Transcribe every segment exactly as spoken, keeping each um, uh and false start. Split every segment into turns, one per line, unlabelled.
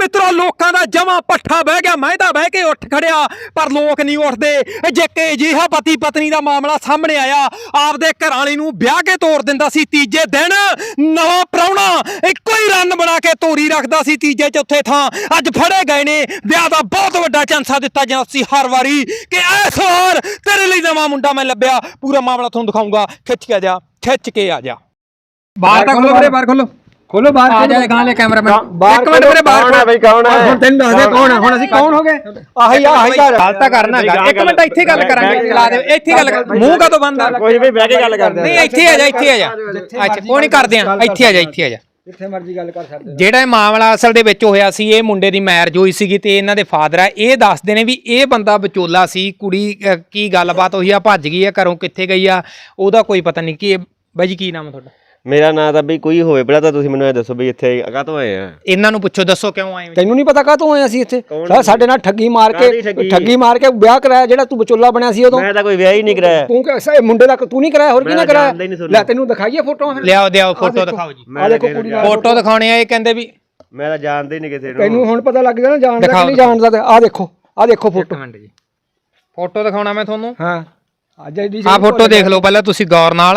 मित्रों लोगों का जमा पट्ठा बह गया, मैं तो बह के उठ खड़िया पर लोग नहीं उठते। जे कि अजिहा पति पत्नी का मामला सामने आया, आपदे घरवाली नूं ब्याह के तोड़ दिंदा सी, तीजे दिन नवा प्राहुणा इक्को ही रन बना के तोरी रखदा सी तीजे चौथे थां। अज फड़े गए ने, ब्याह दा बहुत वड्डा चांसा दिता जांदा सी हर वारी कि इस वार तेरे लिए नवा मुंडा मैं लभ्या। पूरा मामला तुहानूं दिखाऊंगा, खिच के आ जा, खिच के आ जा। बाहर तक खोलो, बाहर खोलो खोलो बाहर आ जाए गां ले कैमरामैन एक मिनट मेरे बाहर कौन है भाई, कौन है हुण तैनूं दस दे कौन है। हुण ਅਸੀਂ कौन हो गए ਆਹੀ ਆਹੀ ਗੱਲ ਤਾਂ ਕਰਨਾ ਗਾ। ਇੱਕ ਮਿੰਟ ਇੱਥੇ ਗੱਲ ਕਰਾਂਗੇ, ਚਲਾ ਦੇ ਇੱਥੇ ਗੱਲ ਮੂੰਹ ਕਦੋਂ ਬੰਦ ਆ ਕੋਈ ਵੀ ਬਹਿ ਕੇ ਗੱਲ ਕਰਦੇ ਨਹੀਂ ਇੱਥੇ ਆ ਜਾ ਇੱਥੇ ਆ ਜਾ ਅੱਛਾ ਕੋਈ ਨਹੀਂ ਕਰਦੇ ਆ ਇੱਥੇ ਆ ਜਾ ਇੱਥੇ ਆ ਜਾ ਜਿੱਥੇ ਮਰਜ਼ੀ ਗੱਲ ਕਰ ਸਕਦੇ। ਜਿਹੜਾ ਇਹ ਮਾਮਲਾ ਅਸਲ ਦੇ ਵਿੱਚ ਹੋਇਆ ਸੀ, ਇਹ ਮੁੰਡੇ ਦੀ ਮੈਰਿਜ ਹੋਈ ਸੀਗੀ ਤੇ ਇਹਨਾਂ ਦੇ ਫਾਦਰ ਆ ਇਹ ਦੱਸਦੇ ਨੇ ਵੀ ਇਹ ਬੰਦਾ ਵਿਚੋਲਾ ਸੀ, ਕੁੜੀ ਕੀ ਗੱਲਬਾਤ ਹੋਈ ਆ, ਭੱਜ ਗਈ ਆ ਘਰੋਂ, ਕਿੱਥੇ ਗਈ ਆ ਉਹਦਾ ਕੋਈ ਪਤਾ ਨਹੀਂ। ਕੀ ਬਾਈ ਜੀ ਕੀ ਨਾਮ ਹੈ ਤੁਹਾਡਾ?
मेरा नाम तो बई कोई होवे पहला तो तुसीं मैनूं ਇਹ ਦੱਸੋ ਬਈ ਇੱਥੇ ਕਾਹਤੋਂ ਆਏ ਆ?
ਇਹਨਾਂ ਨੂੰ ਪੁੱਛੋ, ਦੱਸੋ ਕਿਉਂ ਆਏ ਹੋ?
ਤੈਨੂੰ ਨਹੀਂ ਪਤਾ ਕਾਹਤੋਂ ਆਏ ਅਸੀਂ ਇੱਥੇ? ਸਾਡੇ ਨਾਲ ਠੱਗੀ ਮਾਰ ਕੇ ਠੱਗੀ ਮਾਰ ਕੇ ਵਿਆਹ ਕਰਾਇਆ, ਜਿਹੜਾ ਤੂੰ ਵਿਚੋਲਾ ਬਣਿਆ ਸੀ ਉਦੋਂ।
ਮੈਂ ਤਾਂ ਕੋਈ ਵਿਆਹ ਹੀ ਨਹੀਂ ਕਰਾਇਆ।
ਤੂੰ ਕਿ ਮੁੰਡੇ ਦਾ ਤੂੰ ਨਹੀਂ ਕਰਾਇਆ, ਹੋਰ ਕਿਹਨੇ ਕਰਾਇਆ? ਲੈ ਤੈਨੂੰ ਦਿਖਾਈਏ ਫੋਟੋਆਂ ਫਿਰ।
ਲਿਆਓ ਦਿਆਓ ਫੋਟੋ ਦਿਖਾਓ ਜੀ।
ਆ ਦੇਖੋ ਕੁੜੀ ਨਾਲ
ਫੋਟੋ ਦਿਖਾਉਣੇ ਆ, ਇਹ ਕਹਿੰਦੇ ਵੀ
ਮੈਂ ਤਾਂ ਜਾਣਦਾ ਹੀ ਨਹੀਂ ਕਿਸੇ ਨੂੰ।
ਤੈਨੂੰ ਹੁਣ ਪਤਾ ਲੱਗ ਗਿਆ ਨਾ, ਜਾਣਦਾ ਕਿ ਨਹੀਂ ਜਾਣਦਾ। ਆ ਦੇਖੋ ਆ ਦੇਖੋ ਫੋਟੋ।
ਮਿੰਟ ਜੀ ਫੋਟੋ ਦਿਖਾਉਣਾ ਮੈਂ ਤੁਹਾਨੂੰ।
ਹਾਂ ਅੱਜ ਦੀ
ਆ ਫੋਟੋ ਦੇਖ ਲਓ ਪਹਿਲਾਂ ਤੁਸੀਂ ਗੌਰ ਨਾਲ।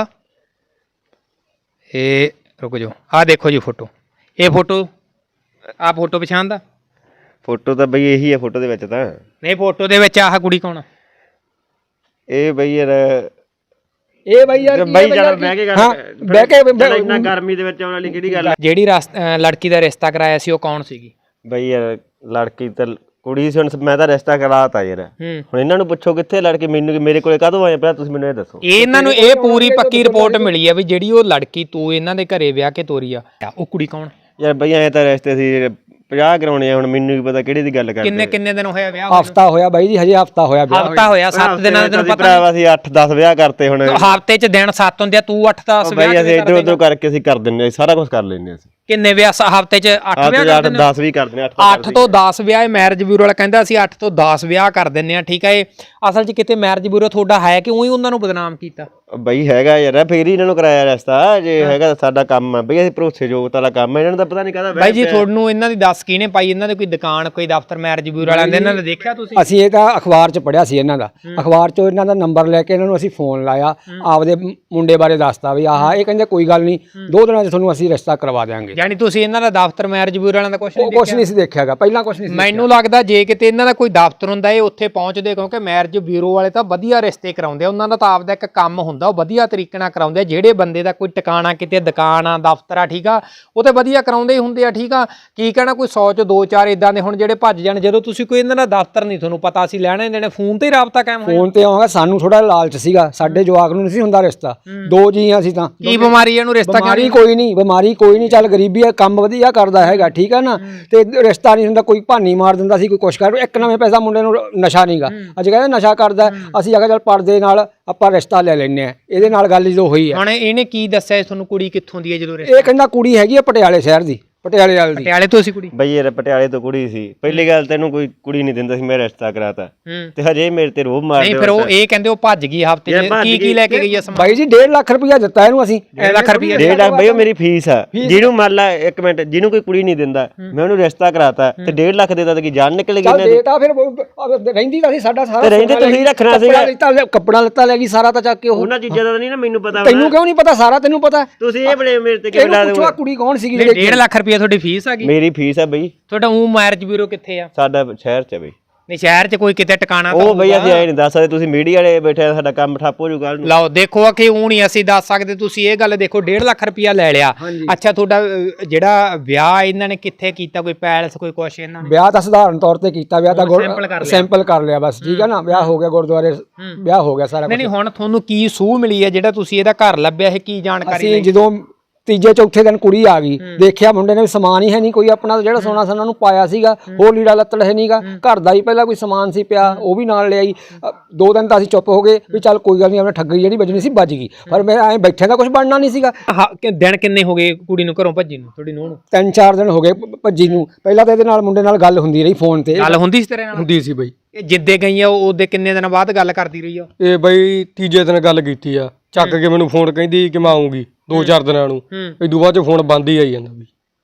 ਇਹ रुक जाओ, आ देखो जी फोटो, ये फोटो आ फोटो पछाण दा
फोटो तो बई यही है फोटो दे विच तां
नहीं, फोटो दे विच आह कुड़ी कौन?
ए बई यार
ए बई यार
बई जरा बैठ के
हां बैठ के
इतना गर्मी दे विच आउण वाली किहड़ी गल है?
जेड़ी लड़की दा रिश्ता कराया सी ओ कौन सीगी?
बई यार लड़की ते कुड़ी सी, हुण मैं तां रिश्ता कराता यार। हुण इन्हां नूं पुछो कित्थे लड़की, मैनूं मेरे कोले काहतों आए पहला तुसीं मैनूं ਇਹ ਦੱਸੋ।
ਇਹਨਾਂ ਨੂੰ ਇਹ ਪੂਰੀ ਪੱਕੀ ਰਿਪੋਰਟ ਮਿਲੀ ਆ ਵੀ ਜਿਹੜੀ ਉਹ ਲੜਕੀ ਤੂੰ ਇਹਨਾਂ ਦੇ ਘਰੇ ਵਿਆਹ ਕੇ ਤੋਰੀ ਆ, ਉਹ ਕੁੜੀ ਕੌਣ?
ਯਾਰ ਬਈ ਐ ਤਾਂ ਰਿਸ਼ਤੇ ਸੀ ਪੰਜਾਹ ਕਰਾਉਣੇ ਆ, ਹੁਣ ਮੈਨੂੰ ਵੀ ਪਤਾ ਕਿਹੜੀ ਦੀ ਗੱਲ ਕਰਦੇ।
ਕਿੰਨੇ ਕਿੰਨੇ ਦਿਨ ਹੋਇਆ ਵਿਆਹ?
ਹਫਤਾ ਹੋਇਆ ਬਾਈ ਜੀ, ਹਜੇ ਹਫਤਾ ਹੋਇਆ ਵਿਆਹ।
ਹਫਤਾ ਹੋਇਆ, ਸੱਤ ਦਿਨਾਂ ਦਾ ਤੈਨੂੰ ਪਤਾ
ਭਰਾਵਾ ਸੀ ਅੱਠ ਦਸ ਵਿਆਹ ਕਰਤੇ। ਹੁਣ
ਹਫਤੇ ਚ ਦਿਨ ਸੱਤ ਹੁੰਦੇ ਆ, ਤੂੰ ਅੱਠ ਦਸ ਵਿਆਹ
ਬਈ ਅਸੀਂ ਇਧਰ ਉਧਰ ਕਰਕੇ ਅਸੀਂ ਕਰ ਦਿੰਨੇ, ਸਾਰਾ ਕੁਝ ਕਰ ਲੈਨੇ ਅਸੀਂ।
ਕਿੰਨੇ ਵਿਆਹ ਹਫਤੇ ਚ? ਅੱਠ ਵਿਆਹ ਕਰ ਦਿੰਦੇ?
ਦਸ ਵੀ ਕਰ ਦਿੰਦੇ।
ਅੱਠ ਤੋਂ ਦਸ ਵਿਆਹ ਇਹ ਮੈਰਿਜ ਬਿਊਰੋ ਵਾਲਾ ਕਹਿੰਦਾ ਅਸੀਂ ਅੱਠ ਤੋਂ ਦਸ ਵਿਆਹ ਕਰ ਦਿੰਨੇ ਆ, ਠੀਕ ਆ। ਇਹ ਅਸਲ ਚ ਕਿਤੇ ਮੈਰਿਜ ਬਿਊਰੋ ਤੁਹਾਡਾ ਹੈ ਕਿ ਉਹੀ ਉਹਨਾਂ ਨੂੰ ਬਦਨਾਮ ਕੀਤਾ?
ਬਈ ਹੈਗਾ ਯਾਰ, ਫੇਰ ਹੀ ਇਹਨਾਂ ਨੂੰ ਕਰਾਇਆ ਰਿਸ਼ਤਾ। ਜੇ ਹੈਗਾ ਸਾਡਾ ਕੰਮ ਆ ਬਈ, ਅਸੀਂ ਭਰੋਸੇਯੋਗ ਵਾਲਾ ਕੰਮ ਹੈ। ਇਹਨਾਂ ਨੂੰ ਤਾਂ ਪਤਾ ਨਹੀਂ ਕਾਹਦਾ
ਬਾਈ ਜੀ ਤੁਹਾਨੂੰ ਇਹਨਾਂ ਦੀ ਦੱਸ ਕਿਹਨੇ ਪਾਈ? ਇਹਨਾਂ ਦੇ ਕੋਈ ਦੁਕਾਨ ਕੋਈ ਦਫ਼ਤਰ ਮੈਰਿਜ ਬਿਊਰੋ ਵਾਲਿਆਂ ਦੇ ਇਹਨਾਂ ਨੇ ਦੇਖਿਆ ਤੁਸੀਂ?
ਅਸੀਂ ਇਹ ਤਾਂ ਅਖਬਾਰ 'ਚ ਪੜ੍ਹਿਆ ਸੀ ਇਹਨਾਂ ਦਾ, ਅਖਬਾਰ 'ਚੋਂ ਇਹਨਾਂ ਦਾ ਨੰਬਰ ਲੈ ਕੇ ਇਹਨਾਂ ਨੂੰ ਅਸੀਂ ਫੋਨ ਲਾਇਆ, ਆਪਦੇ ਮੁੰਡੇ ਬਾਰੇ ਦੱਸਤਾ ਵੀ ਆਹ ਇਹ ਕਹਿੰਦੇ ਕੋਈ ਗੱਲ ਨਹੀਂ, ਦੋ ਦਿਨਾਂ 'ਚ ਤੁਹਾਨੂੰ ਅਸੀਂ ਰਿਸ਼ਤਾ ਕਰਵਾ ਦਿਆਂਗੇ।
ਯਾਨੀ ਤੁਸੀਂ ਇਹਨਾਂ ਦਾ ਦਫ਼ਤਰ ਮੈਰਿਜ ਬਿਊਰੋ ਵਾਲਿਆਂ ਦਾ ਕੁਝ ਨਹੀਂ
ਕੁਝ ਨਹੀਂ ਸੀ ਦੇਖਿਆਗਾ, ਪਹਿਲਾਂ ਕੁਝ ਨਹੀਂ ਸੀ।
ਮੈਨੂੰ ਲੱਗਦਾ ਜੇ ਕਿਤੇ ਇਹਨਾਂ ਦਾ ਕੋਈ ਦਫ਼ਤਰ ਹੁੰਦਾ ਇਹ ਉੱਥੇ ਪਹੁੰਚਦੇ, ਕਿਉਂਕਿ ਮੈਰਿਜ ਬਿਊਰੋ ਵਾਲੇ ਤਾਂ ਵਧੀਆ ਰਿਸ਼ਤੇ ਕਰਾਉਂਦੇ ਆ, ਉਹਨਾਂ ਦਾ ਤਾਂ ਆਪਦਾ ਇੱਕ ਕੰਮ ਹੁੰਦਾ, ਉਹ ਵਧੀਆ ਤਰੀਕੇ ਨਾਲ ਕਰਾਉਂਦੇ ਆ। ਜਿਹੜੇ ਬੰਦੇ ਦਾ ਕੋਈ ਟਿਕਾਣਾ ਕਿਤੇ ਦੁਕਾਨ ਆ ਦਫ਼ਤਰ ਆ, ਠੀਕ ਆ, ਉਹ ਤੇ ਵਧੀਆ ਕਰਾਉਂਦੇ ਹੀ ਹੁੰਦੇ ਆ, ਠੀਕ ਆ। ਕੀ ਕਹਿਣਾ ਕੋਈ ਸੌ ਚ ਦੋ ਚਾਰ ਇਦਾਂ ਦੇ ਹੁਣ ਜਿਹੜੇ ਭੱਜ ਜਾਣ। ਜਦੋਂ ਤੁਸੀਂ ਕੋਈ ਇਹਨਾਂ ਦਾ ਦਫ਼ਤਰ ਨਹੀਂ ਤੁਹਾਨੂੰ ਪਤਾ ਸੀ ਲੈਣੇ ਦੇਣੇ, ਫੋਨ ਤੇ ਹੀ ਰਾਬਤਾ ਕਾਇਮ ਹੋਇਆ?
ਫੋਨ ਤੇ ਆਉਂਗਾ, ਸਾਨੂੰ ਥੋੜਾ ਲਾਲਚ ਸੀਗਾ, ਸਾਡੇ ਜਵਾਕ ਨੂੰ ਨਹੀਂ ਸੀ ਹੁੰਦਾ ਰਿਸ਼ਤਾ, ਦੋ ਜੀ ਅਸੀਂ ਤਾਂ।
ਕੀ ਬਿਮਾਰੀ ਇਹਨੂੰ ਰਿਸ਼ਤਾ?
ਬਿਮਾਰੀ ਕੋਈ ਨਹੀਂ, ਬਿਮਾਰੀ ਕੋਈ ਨਹੀਂ, ਚੱਲ ਗਰੀਬੀ ਆ, ਕੰਮ ਵਧੀਆ ਕਰਦਾ ਹੈਗਾ, ਠੀਕ ਆ ਨਾ, ਤੇ ਰਿਸ਼ਤਾ ਨਹੀਂ ਹੁੰਦਾ। ਕੋਈ ਭਾਨੀ ਮਾਰ ਦਿੰਦਾ ਸੀ, ਕੋਈ ਕੁਛ ਕਰ। ਇੱਕ ਨਵੇਂ ਪੈਸਾ ਮੁੰਡੇ ਨੂੰ ਨਸ਼ਾ ਨਹੀਂਗਾ, ਅੱਜ ਕਹਿੰਦੇ ਨਸ਼ਾ ਕਰਦਾ, ਅਸੀਂ ਆ ਕੇ ਚੱਲ ਪਰਦੇ ਨਾਲ ਆਪਾਂ ਰਿਸ਼ਤਾ ਲੈ ਲੈਨੇ ਆ। ਇਹਦੇ ਨਾਲ ਗੱਲ ਜਦੋਂ ਹੋਈ ਆ,
ਹੁਣ ਇਹਨੇ ਕੀ ਦੱਸਿਆ ਤੁਹਾਨੂੰ? ਕੁੜੀ ਕਿੱਥੋਂ ਦੀ ਹੈ ਜਦੋਂ?
ਇਹ ਕਹਿੰਦਾ ਕੁੜੀ ਹੈਗੀ ਆ ਪਟਿਆਲੇ ਸ਼ਹਿਰ ਦੀ, ਪਟਿਆਲੇ ਵਾਲੀ ਦੀ।
ਪਟਿਆਲੇ ਤੋਂ ਸੀ ਕੁੜੀ?
ਬਈ ਯਾਰ ਪਟਿਆਲੇ ਤੋਂ ਕੁੜੀ ਸੀ। ਪਹਿਲੀ ਗੱਲ ਤੈਨੂੰ ਕੋਈ ਕੁੜੀ ਨਹੀਂ ਦਿੰਦਾ ਸੀ, ਮੈਂ ਰਿਸ਼ਤਾ ਕਰਾਤਾ ਤੇ ਹਜੇ ਮੇਰੇ ਤੇ ਰੋਬ ਮਾਰਦੇ।
ਨਹੀਂ ਫਿਰ ਉਹ ਇਹ ਕਹਿੰਦੇ ਉਹ ਭੱਜ ਗਈ ਹਫਤੇ ਚ, ਕੀ ਕੀ ਲੈ ਕੇ ਗਈ ਆ ਸਮਾਨ?
ਬਾਈ ਜੀ ਡੇਢ ਲੱਖ ਰੁਪਇਆ ਦਿੱਤਾ ਇਹਨੂੰ ਅਸੀਂ।
ਡੇਢ ਲੱਖ ਰੁਪਇਆ?
ਡੇਢ ਲੱਖ ਬਈ ਉਹ ਮੇਰੀ ਫੀਸ ਆ। ਜਿਹਨੂੰ ਮੰਨ ਲਾ ਇੱਕ ਮਿੰਟ, ਜਿਹਨੂੰ ਕੋਈ ਕੁੜੀ ਨਹੀਂ ਦਿੰਦਾ ਮੈਂ ਉਹਨੂੰ ਰਿਸ਼ਤਾ ਕਰਾਤਾ ਤੇ ਡੇਢ ਲੱਖ ਦੇਤਾ ਤੇ ਕੀ ਜਾਨ ਨਿਕਲ ਗਈ?
ਚੱਲ ਦੇਤਾ ਫਿਰ, ਰਹਿੰਦੀ ਤਾਂ ਸੀ ਸਾਡਾ ਸਾਰਾ।
ਤੇ ਰਹਿੰਦੇ ਤੁਸੀਂ ਰੱਖਣਾ ਸੀਗਾ।
ਕੱਪੜਾ ਲੱਤਾ ਲੈ ਗਈ ਸਾਰਾ ਤਾਂ ਚੱਕ ਕੇ।
ਉਹਨਾਂ ਚੀਜ਼ਾਂ ਦਾ ਨਹੀਂ ਨਾ ਮੈਨੂੰ ਪਤਾ।
ਤੈਨੂੰ ਕਿਉਂ ਨਹੀਂ ਪਤਾ? ਸਾਰਾ ਤੈਨੂੰ ਪਤਾ।
ਤੁਸੀਂ ਇਹ ਬੜੇ ਮੇਰੇ ਤੇ ਕਿਉਂ ਲਾ ਦਿਓ?
ਕੁੜੀ ਕੌਣ ਸੀਗੀ?
ਡੇਢ ਲੱਖ ਰੁਪਇਆ ਤੁਹਾਡੀ ਫੀਸ ਆ ਗਈ?
ਮੇਰੀ ਫੀਸ ਆ ਬਈ।
ਤੁਹਾਡਾ ਉਹ ਮੈਰਿਜ ਬਿਊਰੋ ਕਿੱਥੇ ਆ?
ਸਾਡਾ ਸ਼ਹਿਰ ਚ ਬਈ।
ਨਹੀਂ ਸ਼ਹਿਰ ਚ ਕੋਈ ਕਿਤੇ ਟਿਕਾਣਾ
ਉਹ ਬਈ ਅਸੀਂ ਐ ਨਹੀਂ ਦੱਸ ਸਕਦੇ, ਤੁਸੀਂ ਮੀਡੀਆ ਵਾਲੇ ਬੈਠੇ, ਸਾਡਾ ਕੰਮ ਠੱਪ ਹੋ ਜੂ ਕੱਲ ਨੂੰ।
ਲਓ ਦੇਖੋ ਕਿ ਉਹ ਨਹੀਂ ਅਸੀਂ ਦੱਸ ਸਕਦੇ। ਤੁਸੀਂ ਇਹ ਗੱਲ ਦੇਖੋ, ਡੇਢ ਲੱਖ ਰੁਪਇਆ ਲੈ ਲਿਆ। ਅੱਛਾ ਤੁਹਾਡਾ ਜਿਹੜਾ ਵਿਆਹ ਇਹਨਾਂ ਨੇ ਕਿੱਥੇ ਕੀਤਾ? ਕੋਈ ਪੈਲਸ ਕੋਈ ਕੁਛ? ਇਹਨਾਂ ਨੇ
ਵਿਆਹ ਤਾਂ ਸਧਾਰਨ ਤੌਰ ਤੇ ਕੀਤਾ, ਵਿਆਹ ਤਾਂ ਸਿੰਪਲ ਕਰ ਲਿਆ ਬਸ, ਠੀਕ ਹੈ ਨਾ। ਵਿਆਹ ਹੋ ਗਿਆ ਗੁਰਦੁਆਰੇ, ਵਿਆਹ ਹੋ ਗਿਆ ਸਾਰਾ।
ਨਹੀਂ ਨਹੀਂ ਹੁਣ ਤੁਹਾਨੂੰ ਕੀ ਸੂਹ ਮਿਲੀ ਹੈ ਜਿਹੜਾ ਤੁਸੀਂ ਇਹਦਾ ਘਰ ਲੱਭਿਆ? ਇਹ ਕੀ ਜਾਣਕਾਰੀ?
ਅਸੀਂ ਜਦੋਂ ਤੀਜੇ ਚੌਥੇ ਦਿਨ ਕੁੜੀ ਆ ਗਈ, ਦੇਖਿਆ ਮੁੰਡੇ ਨੇ ਸਮਾਨ ਹੀ ਹੈ ਨਹੀਂ ਕੋਈ ਆਪਣਾ, ਜਿਹੜਾ ਸੋਨਾ ਸੋਨਾ ਨੂੰ ਪਾਇਆ ਸੀਗਾ, ਹੋਰ ਲੀੜਾ ਲੱਤੜ ਹੈ ਨਹੀਂਗਾ, ਘਰ ਦਾ ਹੀ ਪਹਿਲਾਂ ਕੋਈ ਸਮਾਨ ਸੀ ਪਿਆ, ਉਹ ਵੀ ਨਾਲ ਲਿਆਈ। ਦੋ ਦਿਨ ਤਾਂ ਅਸੀਂ ਚੁੱਪ ਹੋ ਗਏ ਵੀ ਚੱਲ ਕੋਈ ਗੱਲ ਨਹੀਂ, ਆਪਣੇ ਠੱਗੀ ਜਿਹੜੀ ਵੱਜਣੀ ਸੀ ਵੱਜ ਗਈ, ਪਰ ਮੈਂ ਐਂ ਬੈਠਿਆਂ ਦਾ ਕੁਝ ਬਣਨਾ ਨਹੀਂ ਸੀਗਾ।
ਦਿਨ ਕਿੰਨੇ ਹੋ ਗਏ ਕੁੜੀ ਨੂੰ ਘਰੋਂ ਭੱਜੀ ਨੂੰ, ਤੁਹਾਡੀ ਨੂੰਹ ਨੂੰ?
ਤਿੰਨ ਚਾਰ ਦਿਨ ਹੋ ਗਏ ਭੱਜੀ ਨੂੰ। ਪਹਿਲਾਂ ਤਾਂ ਇਹਦੇ ਨਾਲ ਮੁੰਡੇ ਨਾਲ ਗੱਲ ਹੁੰਦੀ ਰਹੀ ਫੋਨ ਤੇ।
ਗੱਲ ਹੁੰਦੀ ਸੀ ਤੇਰੇ ਨਾਲ?
ਹੁੰਦੀ ਸੀ ਬਈ।
ਇਹ ਜਿੱਦੇ ਗਈ ਆ ਉਹਦੇ ਕਿੰਨੇ ਦਿਨਾਂ ਬਾਅਦ ਗੱਲ ਕਰਦੀ ਰਹੀ ਆ?
ਇਹ ਬਈ ਤੀਜੇ ਦਿਨ ਗੱਲ ਕੀਤੀ ਆ, ਚੱਕ ਕੇ ਮੈਨੂੰ ਫੋਨ ਕਹਿੰਦੀ ਕਿ ਮੈਂ ਆਉਂਗੀ ਦੋ ਚਾਰ ਦਿਨਾਂ ਨੂੰ। ਇਦੋਂ ਬਾਅਦ ਚ ਫੋਨ ਬੰਦ ਹੀ ਆਈ ਜਾਂਦਾ ਬਈ।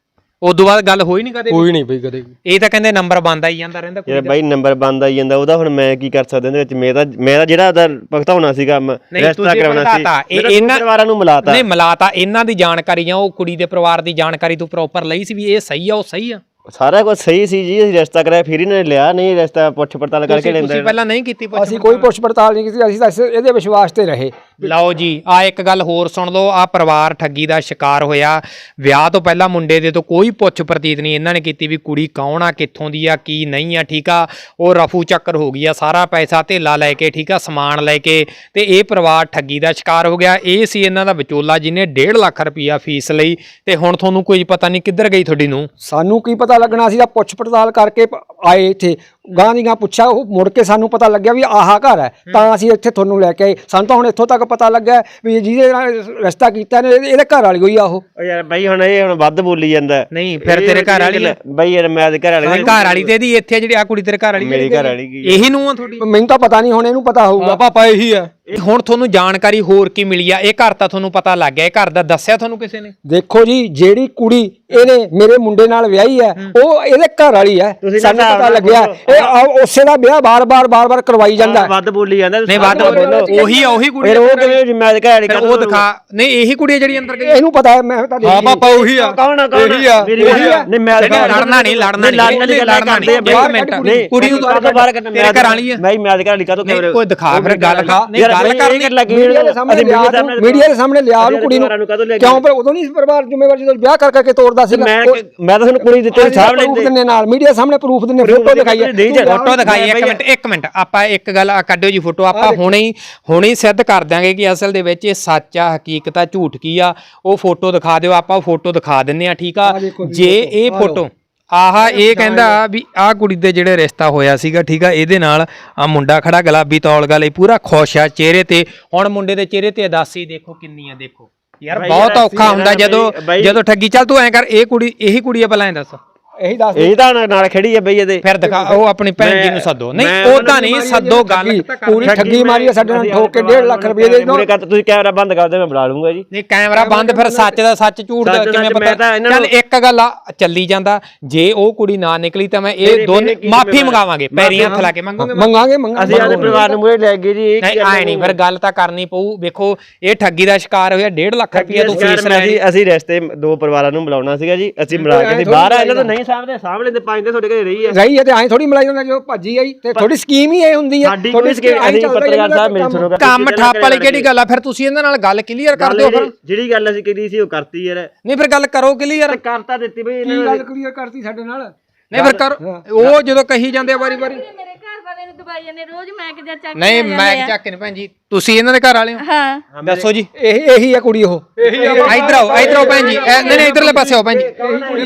ਉਦੋਂ ਬਾਅਦ ਗੱਲ ਹੋਈ ਨਹੀਂ ਕਦੇ
ਕੋਈ ਨਹੀਂ ਬਈ ਕਦੇ ਵੀ।
ਇਹ ਤਾਂ ਕਹਿੰਦੇ ਨੰਬਰ ਬੰਦ ਆਈ ਜਾਂਦਾ ਰਹਿੰਦਾ
ਯਾਰ ਬਾਈ ਨੰਬਰ ਬੰਦ ਆਈ ਜਾਂਦਾ ਉਹਦਾ ਹੁਣ ਮੈਂ ਕੀ ਕਰ ਸਕਦਾ ਇਹਦੇ ਵਿੱਚ ਮੇਰਾ ਮੇਰਾ ਜਿਹੜਾ ਉਹਦਾ ਭੁਗਤਾਉਣਾ ਸੀਗਾ ਰੈਸਟਾ ਕਰਾਉਣਾ ਸੀ
ਇਹ ਇਹਨਾਂ
ਪਰਿਵਾਰਾਂ ਨੂੰ ਮਿਲਾਤਾ
ਨਹੀਂ ਮਿਲਾਤਾ ਇਹਨਾਂ ਦੀ ਜਾਣਕਾਰੀ ਜਾਂ ਉਹ ਕੁੜੀ ਦੇ ਪਰਿਵਾਰ ਦੀ ਜਾਣਕਾਰੀ ਤੂੰ ਪ੍ਰੋਪਰ ਲਈ ਸੀ ਵੀ ਇਹ ਸਹੀ ਆ ਉਹ ਸਹੀ ਆ
ਸਾਰਾ ਕੁਝ ਸਹੀ ਸੀ ਜੀ ਅਸੀਂ ਰੈਸਟਾ ਕਰਾਇਆ ਫਿਰ ਇਹਨਾਂ ਨੇ ਲਿਆ ਨਹੀਂ ਰੈਸਟਾ ਪੁੱਛ ਪੜਤਾਲ ਕਰਕੇ ਲੈਂਦਾ
ਤੁਸੀਂ ਪਹਿਲਾਂ ਨਹੀਂ ਕੀਤੀ ਪੁੱਛ
ਅਸੀਂ ਕੋਈ ਪੁੱਛ ਪੜਤਾਲ ਨਹੀਂ ਕੀਤੀ, ਅਸੀਂ ਤਾਂ ਇਸ- ਇਹਦੇ ਵਿਸ਼ਵਾਸ ਤੇ ਰਹੇ।
ਲਓ ਜੀ ਆ ਇੱਕ ਗੱਲ ਹੋਰ ਸੁਣ ਲਓ ਆ ਪਰਿਵਾਰ ਠੱਗੀ ਦਾ ਸ਼ਿਕਾਰ ਹੋਇਆ ਵਿਆਹ ਤੋਂ ਪਹਿਲਾਂ ਮੁੰਡੇ ਦੇ ਤੋਂ ਕੋਈ ਪੁੱਛ ਪ੍ਰਤੀਤ ਨਹੀਂ ਇਹਨਾਂ ਨੇ ਕੀਤੀ ਵੀ ਕੁੜੀ ਕੌਣ ਆ ਕਿੱਥੋਂ ਦੀ ਆ ਕੀ ਨਹੀਂ ਆ ਠੀਕ ਆ ਉਹ ਰਫੂ ਚੱਕਰ ਹੋ ਗਈ ਆ ਸਾਰਾ ਪੈਸਾ ਧੇਲਾ ਲੈ ਕੇ ਠੀਕ ਆ ਸਮਾਨ ਲੈ ਕੇ ਤੇ ਇਹ ਪਰਿਵਾਰ ਠੱਗੀ ਦਾ ਸ਼ਿਕਾਰ ਹੋ ਗਿਆ ਇਹ ਸੀ ਇਹਨਾਂ ਦਾ ਵਿਚੋਲਾ ਜਿਹਨੇ ਡੇਢ ਲੱਖ ਰੁਪਈਆ ਫੀਸ ਲਈ ਤੇ ਹੁਣ ਤੁਹਾਨੂੰ ਕੋਈ ਪਤਾ ਨਹੀਂ ਕਿੱਧਰ ਗਈ ਤੁਹਾਡੀ ਨੂੰ
ਸਾਨੂੰ ਕੀ ਪਤਾ ਲੱਗਣਾ ਸੀ ਤਾਂ ਪੁੱਛ ਪੜਤਾਲ ਕਰਕੇ ਪ- ਆਏ ਇੱਥੇ ਗਾਂ ਦੀ ਗਾਂ ਪੁੱਛਿਆ ਉਹ ਮੁੜ ਕੇ ਸਾਨੂੰ ਪਤਾ ਲੱਗਿਆ ਵੀ ਆਹ ਘਰ ਹੈ ਤਾਂ ਅਸੀਂ ਇੱਥੇ ਤੁਹਾਨੂੰ ਲੈ ਕੇ ਆਏ। ਸਾਨੂੰ ਤਾਂ ਹੁਣ ਇੱਥੋਂ ਤੱਕ ਪਤਾ ਲੱਗਾ ਵੀ ਜਿਹਦੇ ਨਾਲ ਰਿਸ਼ਤਾ ਕੀਤਾ ਨੇ ਇਹਦੇ ਘਰ ਵਾਲੀ ਹੋਈ ਆ ਉਹ।
ਉਹ ਯਾਰ ਬਾਈ ਹੁਣ ਇਹ ਹੁਣ ਵੱਧ ਬੋਲੀ ਜਾਂਦਾ
ਨਹੀਂ ਫਿਰ ਤੇਰੇ ਘਰ ਵਾਲੀ ਆ?
ਬਾਈ ਯਾਰ ਮੈਂ ਤੇ ਘਰ ਵਾਲੀ
ਘਰ ਵਾਲੀ ਤੇ ਇਹਦੀ ਇੱਥੇ ਜਿਹੜੀ ਆ ਕੁੜੀ ਤੇਰੇ ਘਰ ਵਾਲੀ
ਮੇਰੀ ਘਰ ਵਾਲੀ ਕੀ
ਇਹੀ ਨੂੰ ਆ ਤੁਹਾਡੀ
ਮੈਨੂੰ ਤਾਂ ਪਤਾ ਨਹੀਂ ਹੁਣ ਇਹਨੂੰ ਪਤਾ ਹੋਊਗਾ ਪਾਪਾ ਇਹੀ ਆ।
ਹੁਣ ਤੁਹਾਨੂੰ ਜਾਣਕਾਰੀ ਹੋਰ ਕੀ ਮਿਲੀ ਆ ਇਹ ਘਰ ਤਾਂ ਤੁਹਾਨੂੰ ਪਤਾ ਲੱਗ ਗਿਆ ਇਹ ਘਰ ਦਾ ਦੱਸਿਆ ਤੁਹਾਨੂੰ ਕਿਸੇ ਨੇ
ਦੇਖੋ ਜੀ ਜਿਹੜੀ ਕੁੜੀ ਇਹਨੇ ਮੇਰੇ ਮੁੰਡੇ ਨਾਲ ਵਿਆਹੀ ਹੈ ਉਹ ਇਹਦੇ ਘਰ ਵਾਲੀ ਹੈ ਸਾਨੂੰ ਪਤਾ ਲੱਗਿਆ ਇਹ ਆ- ਉਸੇ ਦਾ ਵਿਆਹ ਬਾਰ-ਬਾਰ ਬਾਰ-ਬਾਰ ਕਰਵਾਈ ਜਾਂਦਾ
ਵੱਧ ਬੋਲੀ ਜਾਂਦਾ
ਨਹੀਂ ਵੱਧ ਉਹੀ ਆ ਉਹੀ ਕੁੜੀ
ਫਿਰ ਉਹ ਕਿਵੇਂ ਮੈਂ ਤੇ ਘਰ ਵਾਲੀ
ਫਿਰ ਉਹ ਦਿਖਾ ਨਹੀਂ ਇਹੀ ਕੁੜੀ ਆ ਜਿਹੜੀ ਅੰਦਰ ਗਈ
ਇਹਨੂੰ ਪਤਾ ਹੈ ਮੈਂ ਤਾਂ
ਹਾਂ ਪਾਪਾ ਉਹੀ ਆ ਕੌਣ ਆ ਕੌਣ
ਇਹੀ ਆ
ਮੇਰੀ
ਇਹੀ ਆ
ਨਹੀਂ ਮੈਂ
ਲੜਨਾ ਨਹੀਂ ਲੜਨਾ ਨਹੀਂ
ਲੜਨ ਦੀ ਗੱਲ ਕਰਦੇ ਆ
ਇੱਕ ਮਿੰਟ
ਨਹੀਂ
ਕੁੜੀ ਨੂੰ
ਕਾਹਤੋਂ ਬਾਹਰ ਕੱਢਣਾ
ਤੇਰੇ ਘਰ ਵਾਲੀ ਆ
ਮੈਂ ਮੈਂ ਤੇ ਘਰ ਵਾਲੀ ਕਾਹਤੋਂ
ਨਹੀਂ ਕੋਈ ਦਿਖਾ ਫਿਰ ਗੱਲ ਦਿਖਾ ਨਹੀਂ ਗੱਲ ਕਰਨੀ
ਲੱਗੀ
ਮੀਡੀਆ ਦੇ ਸਾਹਮਣੇ ਲਿਆ ਤੂੰ, ਮੀਡੀਆ ਦੇ ਸਾਹਮਣੇ ਲਿਆ ਉਹਨੂੰ ਕੁੜੀ ਨੂੰ ਕਿਉਂ ਪਰ ਉਦੋਂ ਨਹੀਂ ਪਰਿਵਾਰ ਜ਼ਿੰਮੇਵਾਰ ਜਦੋਂ ਵਿਆਹ ਕਰ ਕਰਕੇ ਤੋਰਦਾ ਸੀਗਾ
ਮੈਂ ਮੈਂ ਤਾਂ ਤੁਹਾਨੂੰ ਕੁੜੀ ਦਿੱਤੇ ਸਾਹਬ ਲੈਂਦੇ
ਦਿੰਨੇ ਨਾਲ ਮੀਡੀਆ ਸਾਹਮਣੇ ਪ੍ਰੂਫ ਦਿੰਨੇ ਫੋਟੋ ਦਿਖਾਈ
ਫੋਟੋ ਦਿਖਾਈ ਇੱਕ ਮਿੰਟ ਇੱਕ ਮਿੰਟ ਆਪਾਂ ਇੱਕ ਗੱਲ ਕੱਢਿਓ ਜੀ ਫੋਟੋ ਆਪਾਂ ਹੁਣੇ ਹੀ ਹੁਣੇ ਹੀ ਸਿੱਧ ਕਰ ਦਿਆਂਗੇ ਕਿ ਅਸਲ ਦੇ ਵਿੱਚ ਇਹ ਸੱਚ ਆ ਹਕੀਕਤ ਆ ਝੂਠ ਕੀ ਆ ਉਹ ਫੋਟੋ ਦਿਖਾ ਦਿਓ ਆਪਾਂ ਉਹ ਫੋਟੋ ਦਿਖਾ ਦਿੰਨੇ ਆ ਠੀਕ ਆ ਜੇ ਇਹ ਫੋਟੋ ਆਹਾ ਇਹ ਕਹਿੰਦਾ ਵੀ ਆਹ ਕੁੜੀ ਦੇ ਜਿਹੜੇ ਰਿਸ਼ਤਾ ਹੋਇਆ ਸੀਗਾ ਠੀਕ ਆ ਇਹਦੇ ਨਾਲ ਆ ਮੁੰਡਾ ਖੜਾ ਗੁਲਾਬੀ ਤੌਲਗਾ ਲਈ ਪੂਰਾ ਖੁਸ਼ ਆ ਚਿਹਰੇ ਤੇ ਹੁਣ ਮੁੰਡੇ ਦੇ ਚਿਹਰੇ ਤੇ ਉਦਾਸੀ ਦੇਖੋ ਕਿੰਨੀ ਆ ਦੇਖੋ ਯਾਰ ਬਹੁਤ ਔਖਾ ਹੁੰਦਾ ਜਦੋਂ ਜਦੋਂ ਠੱਗੀ ਚੱਲ ਤੂੰ ਐਂ ਕਰ ਇਹ ਕੁੜੀ ਇਹੀ ਕੁੜੀ ਆ ਭਲਾ ਐਂ ਦੱਸ
ਇਹੀ ਦੱਸ
ਇਹ ਤਾਂ ਨਾਲ ਖੜੀ ਹੈ ਬਈ ਇਹਦੇ
ਫਿਰ ਦਿਖਾ ਉਹ ਆਪਣੀ ਭੈਣ ਜੀ ਨੂੰ ਸੱਦੋ ਨਹੀਂ ਉਹਦਾ ਨਹੀਂ ਸੱਦੋ ਗੱਲ
ਪੂਰੀ ਠੱਗੀ ਮਾਰੀ ਸਾਡੇ ਨਾਲ ਠੋਕ ਕੇ ਡੇਢ ਲੱਖ ਰੁਪਏ ਦੇ ਦੋ
ਤੁਸੀਂ ਕੈਮਰਾ ਬੰਦ ਕਰ ਦਿਓ ਮੈਂ ਬੁਲਾ ਲੂੰਗਾ ਜੀ
ਨਹੀਂ ਕੈਮਰਾ ਬੰਦ ਫਿਰ ਸੱਚ ਦਾ ਸੱਚ ਝੂਠ ਦਾ ਕਿਵੇਂ ਪਤਾ ਚੱਲ ਇੱਕ ਗੱਲ ਆ ਚੱਲੀ ਜਾਂਦਾ ਜੇ ਉਹ ਕੁੜੀ ਨਾ ਨਿਕਲੀ ਤਾਂ ਮੈਂ ਇਹ ਦੋਨੇ ਮਾਫੀ ਮੰਗਾਵਾਂਗੇ ਪੈਰੀਂ ਹੱਥ ਲਾ ਕੇ ਮੰਗੋਗੇ
ਮੰਗਾਂਗੇ ਮੰਗਾਂਗੇ
ਅਸੀਂ ਆਪਣੇ ਪਰਿਵਾਰ ਨੂੰ ਮੂਹਰੇ ਲੈ ਗਏ ਜੀ
ਨਹੀਂ ਆਏ ਨਹੀਂ ਫਿਰ ਗੱਲ ਤਾਂ ਕਰਨੀ ਪਊ ਵੇਖੋ ਇਹ ਠੱਗੀ ਦਾ ਸ਼ਿਕਾਰ ਹੋਇਆ ਡੇਢ ਲੱਖ ਰੁਪਏ ਤੋਂ ਫੀਸ ਲੈਣੀ
ਅਸੀਂ ਰਿਸ਼ਤੇ ਦੋ ਪਰਿਵਾਰਾਂ ਨੂੰ ਬੁਲਾਉਣਾ ਸੀਗਾ ਜੀ ਅਸੀਂ ਬੁਲਾ ਕੇ ਬਾਹਰ ਆ ਇਹਨਾਂ ਤੋਂ ਨਹੀਂ ਸਾਹਮਣੇ ਸਾਹਮਣੇ ਪੰਜ ਦੇ ਤੁਹਾਡੇ ਘਰੇ ਰਹੀ ਹੈ
ਰਹੀ ਹੈ ਤੇ ਐਂ ਥੋੜੀ ਮਲਾਈ ਹੁੰਦਾ ਜੋ ਭੱਜੀ ਆਈ ਤੇ ਥੋੜੀ ਸਕੀਮ ਹੀ ਇਹ ਹੁੰਦੀ ਹੈ
ਥੋੜੀ ਸਕੀਮ ਅਸੀਂ ਪੱਤਰਕਾਰ ਸਾਹਿਬ ਮੇਰੀ ਸੁਣੋ
ਕੰਮ ਠੱਪ ਵਾਲੀ ਕਿਹੜੀ ਗੱਲ ਆ ਫਿਰ ਤੁਸੀਂ ਇਹਨਾਂ ਨਾਲ ਗੱਲ ਕਲੀਅਰ ਕਰ ਦਿਓ ਫਿਰ
ਜਿਹੜੀ ਗੱਲ ਅਸੀਂ ਕੀਤੀ ਸੀ ਉਹ ਕਰਤੀ ਯਾਰ
ਨਹੀਂ ਫਿਰ ਗੱਲ ਕਰੋ ਕਲੀਅਰ
ਕਰਤਾ ਦਿੱਤੀ ਬਈ
ਕੀ ਗੱਲ ਕਲੀਅਰ ਕਰਤੀ ਸਾਡੇ ਨਾਲ
ਨਹੀਂ ਫਿਰ ਕਰ ਉਹ ਜਦੋਂ ਕਹੀ ਜਾਂਦੇ ਆ ਵਾਰੀ ਵਾਰੀ
ਮੇਰੇ ਘਰ ਵਾਲੇ ਨੂੰ ਦਵਾਈ ਜਾਂਦੇ ਰੋਜ਼ ਮੈਂ ਕਿਹਾ ਚੱਕ
ਨਹੀਂ ਮੈਂ ਚੱਕ ਨਹੀਂ ਭੈਣ ਜੀ ਤੁਸੀਂ ਇਹਨਾਂ ਦੇ ਘਰ ਵਾਲੇ ਹੋ
ਹਾਂ
ਦੱਸੋ ਜੀ
ਇਹ ਇਹੀ ਹੈ ਕੁੜੀ ਉਹ ਇਹੀ ਆ
ਇਧਰ ਆਓ ਇਧਰ ਆਓ ਭੈਣ ਜੀ ਨਹੀਂ ਨਹੀਂ ਇਧਰਲੇ ਪਾਸੇ ਆਓ ਭੈਣ ਜੀ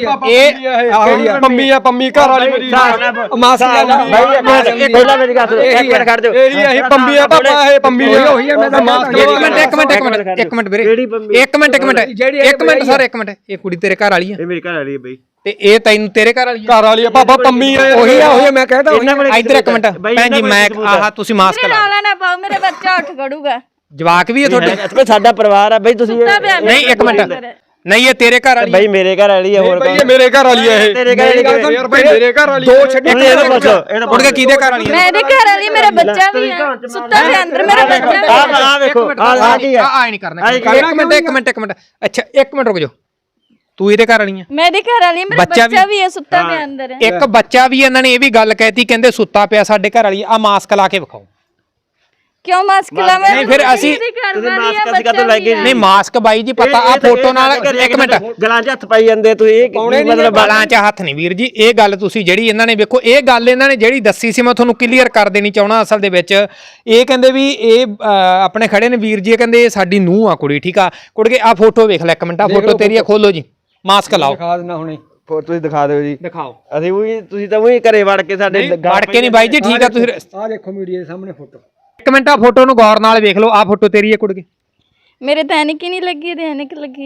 ਇਹ
ਪੰਮੀ ਆ ਪੰਮੀ ਘਰ ਵਾਲੀ ਮੇਰੀ ਮਾਸੀ ਆ
ਇਹ ਪਹਿਲਾਂ ਮੇਰੀ ਗੱਲ ਸੁਣੋ ਇੱਕ ਮਿੰਟ ਖੜ ਜਾਓ
ਇਹੀ ਇਹੀ ਪੰਮੀ ਆ ਪਾਪਾ ਇਹ ਪੰਮੀ ਉਹੀ ਹੈ ਮੈਂ ਤਾਂ ਮਾਸੀ
ਇੱਕ ਮਿੰਟ ਇੱਕ ਮਿੰਟ ਇੱਕ ਮਿੰਟ ਇੱਕ ਮਿੰਟ ਵੀਰੇ ਇੱਕ ਮਿੰਟ ਇੱਕ ਮਿੰਟ ਇੱਕ ਮਿੰਟ ਸਰ ਇੱਕ ਮਿੰਟ ਇਹ ਕੁੜੀ ਤੇਰੇ ਘਰ ਵਾਲੀ ਆ
ਇਹ ਮੇਰੀ ਘਰ ਵਾਲੀ ਹੈ ਬਈ
ਤੇ ਇਹ ਤੈਨੂੰ ਤੇਰੇ ਘਰ ਵਾਲੀ
ਘਰ ਵਾਲੀ ਆ ਪਾਪਾ ਪੰਮੀ ਆ ਉਹੀ ਆ ਉਹੀ ਮੈਂ ਕਹਿੰਦਾ
ਇਧਰ ਇੱਕ ਮਿੰਟ ਭੈਣ ਜੀ ਮੈਂ ਆਹ ਤੁਸੀਂ ਮਾਸਕ ਲਾ
ਨਾਲਾ ਨਾ ਪਾਓ ਮੇਰੇ ਬੱਚਾ ਉੱਠ ਖੜੂਗਾ
ਜਵਾਕ ਵੀ ਹੈ ਤੁਹਾਡੇ
ਸਾਡਾ ਪਰਿਵਾਰ ਆ ਬਈ ਤੁਸੀਂ
ਨਹੀਂ ਇੱਕ ਮਿੰਟ ਨਹੀਂ ਇਹ ਤੇਰੇ ਘਰ ਵਾਲੀ
ਬਈ ਮੇਰੇ ਘਰ ਵਾਲੀ ਹੈ ਹੋਰ
ਇਹ ਮੇਰੇ ਘਰ ਵਾਲੀ ਹੈ ਇਹ
ਤੇਰੇ ਘਰ ਵਾਲੀ
ਯਾਰ ਬਈ ਮੇਰੇ ਘਰ ਵਾਲੀ ਦੋ ਛੱਡੀ
ਇਹਦਾ ਪੁੱਛੋ ਇਹਦਾ
ਮੁੜ ਕੇ ਕਿਹਦੇ ਘਰ ਵਾਲੀ
ਮੇਰੇ ਘਰ ਵਾਲੀ ਮੇਰਾ ਬੱਚਾ ਵੀ ਹੈ ਸੁੱਤਾ ਪਿਆ ਅੰਦਰ ਮੇਰਾ ਬੱਚਾ ਵੀ
ਆ ਆ ਵੇਖੋ ਆ ਆ ਕੀ ਹੈ
ਆ ਨਹੀਂ ਕਰਨਾ ਇੱਕ ਮਿੰਟ ਇੱਕ ਮਿੰਟ ਇੱਕ ਮਿੰਟ ਅੱਛਾ ਇੱਕ ਮਿੰਟ ਰੁਕ ਜਾਓ ਤੂੰ ਇਹਦੇ ਘਰ ਵਾਲੀ ਆ
ਮੇਰੇ ਘਰ ਵਾਲੀ ਮੇਰਾ ਬੱਚਾ ਵੀ ਹੈ ਸੁੱਤਾ ਪਿਆ ਅੰਦਰ
ਇੱਕ ਬੱਚਾ ਵੀ ਇਹਨਾਂ ਨੇ ਇਹ ਵੀ ਗੱਲ ਕਹਿਤੀ ਕਹਿੰਦੇ ਸੁੱਤਾ ਪਿਆ ਸਾਡੇ ਘਰ ਵਾਲੀ ਆ ਮਾਸਕ ਲਾ ਕੇ ਵਿਖਾਓ
ਕਿਉਂ ਮਾਸਕ ਲਾਵੇਂ
ਨਹੀਂ ਫਿਰ ਅਸੀਂ
ਤੁਸੀਂ ਮਾਸਕ ਅਸੀਂ ਕਦੋਂ ਲੈ ਗਏ
ਨਹੀਂ ਮਾਸਕ ਬਾਈ ਜੀ ਪਤਾ ਆ ਫੋਟੋ ਨਾਲ ਇੱਕ ਮਿੰਟ
ਗਲਾਂ 'ਚ ਹੱਥ ਪਾਈ ਜਾਂਦੇ ਤੁਸੀਂ ਇਹ
ਮਤਲਬ ਬਾਲਾਂ 'ਚ ਹੱਥ ਨਹੀਂ ਵੀਰ ਜੀ ਇਹ ਗੱਲ ਤੁਸੀਂ ਜਿਹੜੀ ਇਹਨਾਂ ਨੇ ਵੇਖੋ ਇਹ ਗੱਲ ਇਹਨਾਂ ਨੇ ਜਿਹੜੀ ਦੱਸੀ ਸੀ ਮੈਂ ਤੁਹਾਨੂੰ ਕਲੀਅਰ ਕਰ ਦੇਣੀ ਚਾਹਣਾ ਅਸਲ ਦੇ ਵਿੱਚ ਇਹ ਕਹਿੰਦੇ ਵੀ ਇਹ ਆਪਣੇ ਖੜੇ ਨੇ ਵੀਰ ਜੀ ਇਹ ਕਹਿੰਦੇ ਇਹ ਸਾਡੀ ਨੂੰਹ ਆ ਕੁੜੀ ਠੀਕ ਆ ਕੁੜਕੇ ਆ ਫੋਟੋ ਵੇਖ ਲੈ ਇੱਕ ਮਿੰਟ ਆ ਫੋਟੋ ਤੇਰੀ ਆ ਖੋਲੋ ਜੀ ਮਾਸਕ ਲਾਓ
ਦਿਖਾ ਦੇਣਾ ਹੁਣੇ
ਫੋਟੋ ਤੁਸੀਂ ਦਿਖਾ ਦਿਓ ਜੀ
ਦਿਖਾਓ
ਅਸੀਂ ਉਹੀ ਤੁਸੀਂ ਤਾਂ ਉਹੀ ਘਰੇ ਵੜ ਕੇ ਸਾਡੇ
ਵੜ ਕੇ ਨਹੀਂ ਬਾਈ ਜੀ ਠੀਕ ਆ ਤੁਸੀਂ
ਆਹ ਦੇਖੋ ਮੀਡੀਆ ਦੇ ਸਾਹਮਣੇ ਫੋਟੋ
ਇੱਕ ਮਿੰਟ ਆ ਫੋਟੋ ਨੂੰ ਗੌਰ ਨਾਲ ਵੇਖ ਲਓ ਆ ਫੋਟੋ ਤੇਰੀ ਹੈ ਕੁੜਕੇ
ਮੇਰੇ ਤਾਂ ਐਨਕ ਹੀ ਨਹੀਂ ਲੱਗੀ ਤੇ ਐਨਕ ਲੱਗੀ ਹੈ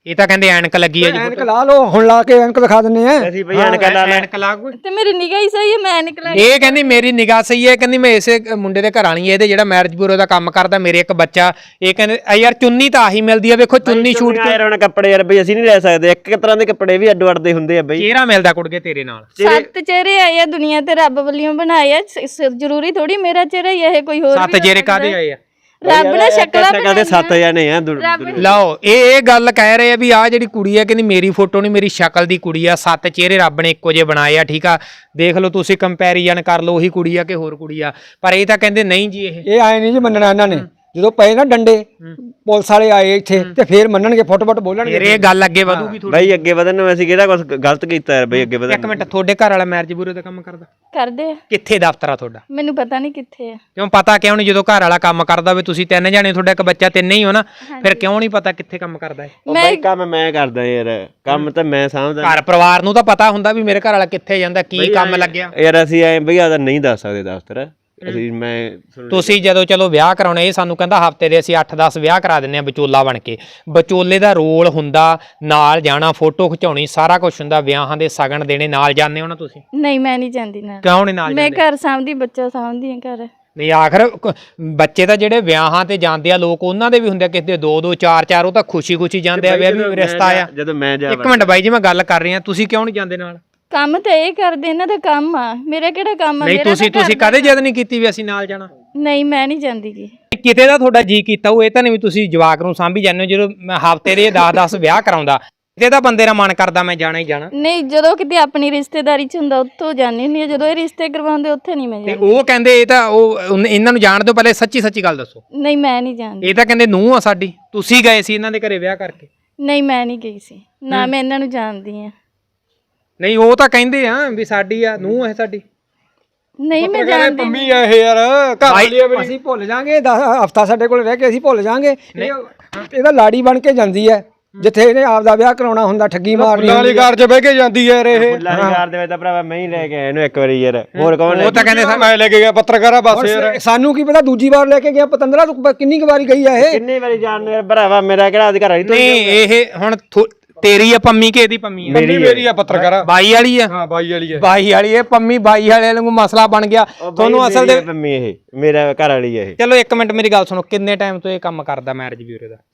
ਇਹ ਤਾਂ ਕਹਿੰਦੇ ਐਨਕ ਲੱਗੀ ਹੈ ਜੀ
ਐਨਕ ਲਾ ਲਓ ਹੁਣ, ਲਾ ਕੇ ਐਨਕ ਦਿਖਾ ਦਿੰਨੇ ਆ।
ਅਸੀਂ ਬਈ ਐਨਕਾਂ ਲਾ ਲੈ
ਐਨਕ ਲਾ ਕੋਈ
ਤੇ ਮੇਰੀ ਨਿਗਾਹ ਹੀ ਸਹੀ ਹੈ, ਮੈਂ ਨਿਕਲਾਂ।
ਇਹ ਕਹਿੰਦੀ ਮੇਰੀ ਨਿਗਾਹ ਸਹੀ ਹੈ, ਕਹਿੰਦੀ ਮੈਂ ਇਸੇ ਮੁੰਡੇ ਦੇ ਘਰ ਵਾਲੀ ਇਹਦੇ ਜਿਹੜਾ ਮੈਰਿਜ ਬਿਊਰੋ ਦਾ ਕੰਮ ਕਰਦਾ, ਮੇਰੇ ਇੱਕ ਬੱਚਾ। ਇਹ ਕਹਿੰਦੇ ਆ ਯਾਰ ਚੁੰਨੀ ਤਾਂ ਆਹੀ ਮਿਲਦੀ ਆ, ਵੇਖੋ ਚੁੰਨੀ ਸ਼ੂਟ
ਯਾਰ ਹੁਣ ਕੱਪੜੇ ਯਾਰ ਬਈ ਅਸੀਂ ਨਹੀਂ ਲੈ ਸਕਦੇ, ਇੱਕ ਇੱਕ ਤਰ੍ਹਾਂ ਦੇ ਕੱਪੜੇ ਵੀ ਅੱਡੋ ਅੱਡ ਦੇ ਹੁੰਦੇ ਆ ਬਈ।
ਚਿਹਰਾ ਮਿਲਦਾ ਕੁੜਗੇ ਤੇਰੇ ਨਾਲ।
ਸੱਤ ਚਿਹਰੇ ਆਏ ਆ ਦੁਨੀਆ ਤੇ, ਰੱਬ ਵੱਲੋਂ ਬਣਾਏ ਆ, ਜ਼ਰੂਰੀ ਥੋੜੀ ਮੇਰਾ ਚਿਹਰਾ ਹੀ ਇਹ ਕੋਈ ਹੋਰ
ਸੱਤ ਚਿਹਰੇ ਕਾਹਦੇ ਆਏ ਆ?
ਰੱਬ ਨੇ ਸ਼ਕਲਾਂ
ਸ਼ਕਲਾਂ ਦੇ ਸੱਤ ਜਾਣੇ ਆ।
ਲਓ ਇਹ ਇਹ ਗੱਲ ਕਹਿ ਰਹੇ ਆ ਵੀ ਆਹ ਜਿਹੜੀ ਕੁੜੀ ਆ ਕਹਿੰਦੀ ਮੇਰੀ ਫੋਟੋ ਨਹੀਂ, ਮੇਰੀ ਸ਼ਕਲ ਦੀ ਕੁੜੀ ਆ, ਸੱਤ ਚਿਹਰੇ ਰੱਬ ਨੇ ਇੱਕੋ ਜਿਹੇ ਬਣਾਏ ਆ। ਠੀਕ ਆ, ਦੇਖ ਲਓ ਤੁਸੀਂ ਕੰਪੈਰੀਜ਼ਨ ਕਰ ਲਓ, ਉਹੀ ਕੁੜੀ ਆ ਕਿ ਹੋਰ ਕੁੜੀ ਆ। ਪਰ ਇਹ ਤਾਂ ਕਹਿੰਦੇ ਨਹੀਂ ਜੀ, ਇਹ
ਇਹ ਆਏ ਨਹੀਂ ਜੀ ਮੰਨਣਾ ਇਹਨਾਂ ਨੇ। ਜਦੋਂ ਪਏ ਨਾ ਡੰਡੇ ਪੁਲਿਸ ਵਾਲੇ ਆਏ ਇੱਥੇ ਤੇ ਫੇਰ ਮੰਨਣਗੇ, ਫੁੱਟ ਫੁੱਟ ਬੋਲਣਗੇ।
ਫਿਰ ਇਹ ਗੱਲ ਅੱਗੇ ਵਧੂਗੀ ਥੋੜੀ।
ਬਈ ਅੱਗੇ ਵਧਣ ਨੂੰ ਅਸੀਂ ਕਿਹੜਾ ਕੁਝ ਗਲਤ ਕੀਤਾ ਯਾਰ ਬਈ, ਅੱਗੇ ਵਧਣ।
ਇੱਕ ਮਿੰਟ, ਤੁਹਾਡੇ ਘਰ ਵਾਲਾ ਮੈਰਿਜ ਬਿਊਰੋ ਦਾ ਕੰਮ ਕਰਦਾ?
ਕਰਦੇ ਆ।
ਕਿੱਥੇ ਦਫ਼ਤਰ ਆ ਤੁਹਾਡਾ?
ਮੈਨੂੰ ਪਤਾ ਨਹੀਂ ਕਿੱਥੇ ਆ।
ਕਿਉਂ ਪਤਾ ਕਿਉਂ ਨਹੀਂ? ਜਦੋਂ ਘਰ ਵਾਲਾ ਕੰਮ ਕਰਦਾ ਹੋਵੇ, ਤੁਸੀਂ ਤਿੰਨ ਜਾਣੇ, ਤੁਹਾਡਾ ਇੱਕ ਬੱਚਾ, ਤਿੰਨੇ ਹੀ ਹੋ ਨਾ, ਫਿਰ ਕਿਉਂ ਨਹੀਂ ਪਤਾ ਕਿੱਥੇ ਕੰਮ ਕਰਦਾ ਹੈ?
ਬਈ ਕੰਮ ਮੈਂ ਕਰਦਾ ਯਾਰ, ਕੰਮ ਤਾਂ ਮੈਂ ਸਮਝਦਾ।
ਘਰ ਪਰਿਵਾਰ ਨੂੰ ਤਾਂ ਪਤਾ ਹੁੰਦਾ ਵੀ ਮੇਰੇ ਘਰ ਵਾਲਾ ਕਿੱਥੇ ਜਾਂਦਾ, ਕੀ ਕੰਮ ਲੱਗਿਆ।
ਯਾਰ ਅਸੀਂ ਐ ਬਈ ਆਦਾ ਨਹੀਂ ਦੱਸ ਸਕਦੇ ਦਫ਼ਤਰ ਅਸੀਂ। ਮੈਂ
ਤੁਸੀਂ ਜਦੋਂ ਚਲੋ ਵਿਆਹ ਕਰਾਉਣੇ, ਇਹ ਸਾਨੂੰ ਕਹਿੰਦਾ ਹਫਤੇ ਦੇ ਅਸੀਂ ਅੱਠ ਦਸ ਵਿਆਹ ਕਰਾ ਦਿੰਨੇ ਆ ਵਿਚੋਲਾ ਬਣ ਕੇ। ਵਿਚੋਲੇ ਦਾ ਰੋਲ ਹੁੰਦਾ ਨਾਲ ਜਾਣਾ, ਫੋਟੋ ਖਿਚਾਉਣੀ, ਸਾਰਾ ਕੁਝ ਹੁੰਦਾ, ਵਿਆਹਾਂ ਦੇ ਸ਼ਗਨ ਦੇਣੇ, ਨਾਲ ਜਾਂਦੇ ਹੋ ਨਾ ਤੁਸੀਂ?
ਨਹੀਂ ਮੈਂ ਨਹੀਂ ਜਾਂਦੀ ਨਾਲ।
ਕਿਉਂ ਨਹੀਂ ਨਾਲ
ਮੈਂ
ਜਾਂਦੇ?
ਘਰ ਸਾਂਭਦੀ, ਬੱਚਾ ਸਾਂਭਦੀ ਆ ਘਰ।
ਨਹੀਂ ਆਖਰ ਕ- ਬੱਚੇ ਤਾਂ ਜਿਹੜੇ ਵਿਆਹਾਂ ਤੇ ਜਾਂਦੇ ਆ ਲੋਕ, ਉਹਨਾਂ ਦੇ ਵੀ ਹੁੰਦੇ ਆ ਕਿਸੇ ਦੇ ਦੋ ਦੋ ਚਾਰ ਚਾਰ, ਉਹ ਤਾਂ ਖੁਸ਼ੀ ਖੁਸ਼ੀ ਜਾਂਦੇ ਆ ਵੀ ਰਿਸ਼ਤਾ ਆ।
ਜਦੋਂ ਮੈਂ ਜਾ
ਇੱਕ ਮਿੰਟ ਬਾਈ ਜੀ, ਮੈਂ ਗੱਲ ਕਰ ਰਹੀ ਆ, ਤੁਸੀਂ ਕਿਉਂ ਨਹੀਂ ਜਾਂਦੇ ਨਾਲ?
ਕੰਮ ਤੇ ਇਹ ਕਰਦੇ, ਇਹਨਾਂ ਦਾ ਕੰਮ ਆ, ਮੇਰਾ ਕਿਹੜਾ ਕੰਮ ਆ?
ਨਹੀਂ
ਮੇਰਾ
ਤੁਸੀਂ
ਤਾਂ
ਤੁਸੀਂ ਕਦੇ ਜਿੱਦ ਨਹੀਂ ਕੀਤੀ ਵੀ ਅਸੀਂ ਨਾਲ ਜਾਣਾ?
ਨਹੀਂ ਮੈਂ ਨਹੀਂ ਜਾਂਦੀ ਗੀ।
ਕਿਤੇ ਦਾ ਤੁਹਾਡਾ ਜੀ ਕੀਤਾ ਉਹ, ਇਹ ਤਾਂ ਨਹੀਂ ਵੀ ਤੁਸੀਂ ਜਵਾਕ ਨੂੰ ਸਾਂਭੀ ਜਾਂਦੇ ਹੋ। ਜਦੋਂ ਹਫਤੇ ਦੇ ਦਸ ਦਸ ਵਿਆਹ ਕਰਾਉਂਦਾ, ਕਿਤੇ ਦਾ ਬੰਦੇ ਦਾ ਮਨ ਕਰਦਾ ਮੈਂ ਜਾਣਾ ਹੀ ਜਾਣਾ।
ਨਹੀਂ ਜਦੋਂ ਕਿਤੇ ਆਪਣੀ ਰਿਸ਼ਤੇਦਾਰੀ ਚ ਹੁੰਦਾ ਉੱਥੋਂ ਜਾਂਦੀ ਹੁੰਦੀ ਆ, ਜਦੋਂ ਇਹ ਰਿਸ਼ਤੇ ਕਰਵਾਉਂਦੇ ਉੱਥੇ ਨਹੀਂ ਮੈਂ
ਤੇ
ਜਾਂਦੀ।
ਉਹ ਕਹਿੰਦੇ ਇਹ ਤਾਂ ਉਹ ਉਹਨੇ- ਇਹਨਾਂ ਨੂੰ ਜਾਣ ਦਿਓ, ਪਹਿਲੇ ਸੱਚੀ ਸੱਚੀ ਗੱਲ ਦੱਸੋ।
ਨਹੀਂ ਮੈਂ ਨਹੀਂ ਜਾਂਦੀ।
ਇਹ ਤਾਂ ਕਹਿੰਦੇ ਨੂੰਹ ਆ ਸਾਡੀ, ਤੁਸੀਂ ਗਏ ਸੀ ਇਹਨਾਂ ਦੇ ਘਰੇ ਵਿਆਹ ਕਰਕੇ?
ਨਹੀਂ ਮੈਂ ਨਹੀਂ ਗਈ ਸੀ ਨਾ, ਮੈਂ ਇਹਨਾਂ ਨੂੰ ਜਾਣਦੀ ਆ।
ਨਹੀਂ ਉਹ ਤਾਂ ਕਹਿੰਦੇ ਆ ਵੀ ਸਾਡੀ ਆ ਨੂੰਹ ਹੈ ਸਾਡੀ।
ਨਹੀਂ ਮੈਂ ਜਾਣਦੀ।
ਪੰਮੀ ਆ ਇਹ ਯਾਰ, ਘਰ ਵਾਲੀ ਆ ਮੇਰੀ। ਅਸੀਂ ਭੁੱਲ ਜਾਾਂਗੇ, ਹਫਤਾ ਸਾਡੇ ਕੋਲ ਰਹਿ ਕੇ ਅਸੀਂ ਭੁੱਲ ਜਾਾਂਗੇ। ਇਹਦਾ ਲਾੜੀ ਬਣ ਕੇ ਜਾਂਦੀ ਹੈ, ਜਿੱਥੇ ਇਹਨੇ ਆਪ ਦਾ ਵਿਆਹ ਕਰਾਉਣਾ ਹੁੰਦਾ, ਠੱਗੀ ਮਾਰਨੀ ਵਾਲੀ ਕਾਰ 'ਚ ਬਹਿ ਕੇ ਜਾਂਦੀ ਹੈ ਇਹ।
ਫੁੱਲਾਂਘਰ ਦੇ ਵਿੱਚ ਤਾਂ ਭਰਾਵਾ ਮੈਂ ਹੀ ਲੈ ਕੇ ਆਇਆ ਇਹਨੂੰ ਇੱਕ ਵਾਰੀ ਯਾਰ, ਹੋਰ ਕੌਣ?
ਉਹ ਤਾਂ ਕਹਿੰਦੇ
ਮੈਂ ਲੈ ਕੇ ਗਿਆ ਪੱਤਰਕਾਰ ਆ ਬਸ ਯਾਰ। ਸਾਨੂੰ ਕੀ ਪਤਾ ਦੂਜੀ ਵਾਰ ਲੈ ਕੇ ਗਿਆ ਪਤੰਦਰਾ, ਤੂੰ ਕਿੰਨੀ ਕੁ ਵਾਰੀ ਗਈ ਆ ਇਹ?
ਕਿੰਨੀ ਵਾਰੀ ਜਾਣ ਯਾਰ ਭਰਾਵਾ, ਮੇਰਾ ਕਿਹੜਾ ਅਧਿਕਾਰ ਹੈ?
ਨਹੀਂ ਇਹ ਹੁਣ ਥੋ- ਤੇਰੀ ਆ ਪੰਮੀ ਕਿ ਇਹਦੀ ਪੰਮੀ ਆ?
ਮੇਰੀ ਮੇਰੀ ਆ ਪੱਤਰਕਾਰ ਆ।
ਬਾਈ ਵਾਲੀ ਆ?
ਹਾਂ ਬਾਈ ਵਾਲੀ ਆ।
ਬਾਈ ਵਾਲੀ ਇਹ ਪੰਮੀ ਬਾਈ ਵਾਲੇ ਨੂੰ ਮਸਲਾ ਬਣ ਗਿਆ ਤੁਹਾਨੂੰ ਅਸਲ ਦੇ।
ਮੰਮੀ ਇਹ ਮੇਰਾ ਘਰ ਵਾਲੀ ਇਹ।
ਚਲੋ ਇੱਕ ਮਿੰਟ ਮੇਰੀ ਗੱਲ ਸੁਣੋ, ਕਿੰਨੇ ਟਾਈਮ ਤੋਂ ਇਹ ਕੰਮ ਕਰਦਾ ਮੈਰਿਜ ਬਿਊਰੋ ਦਾ?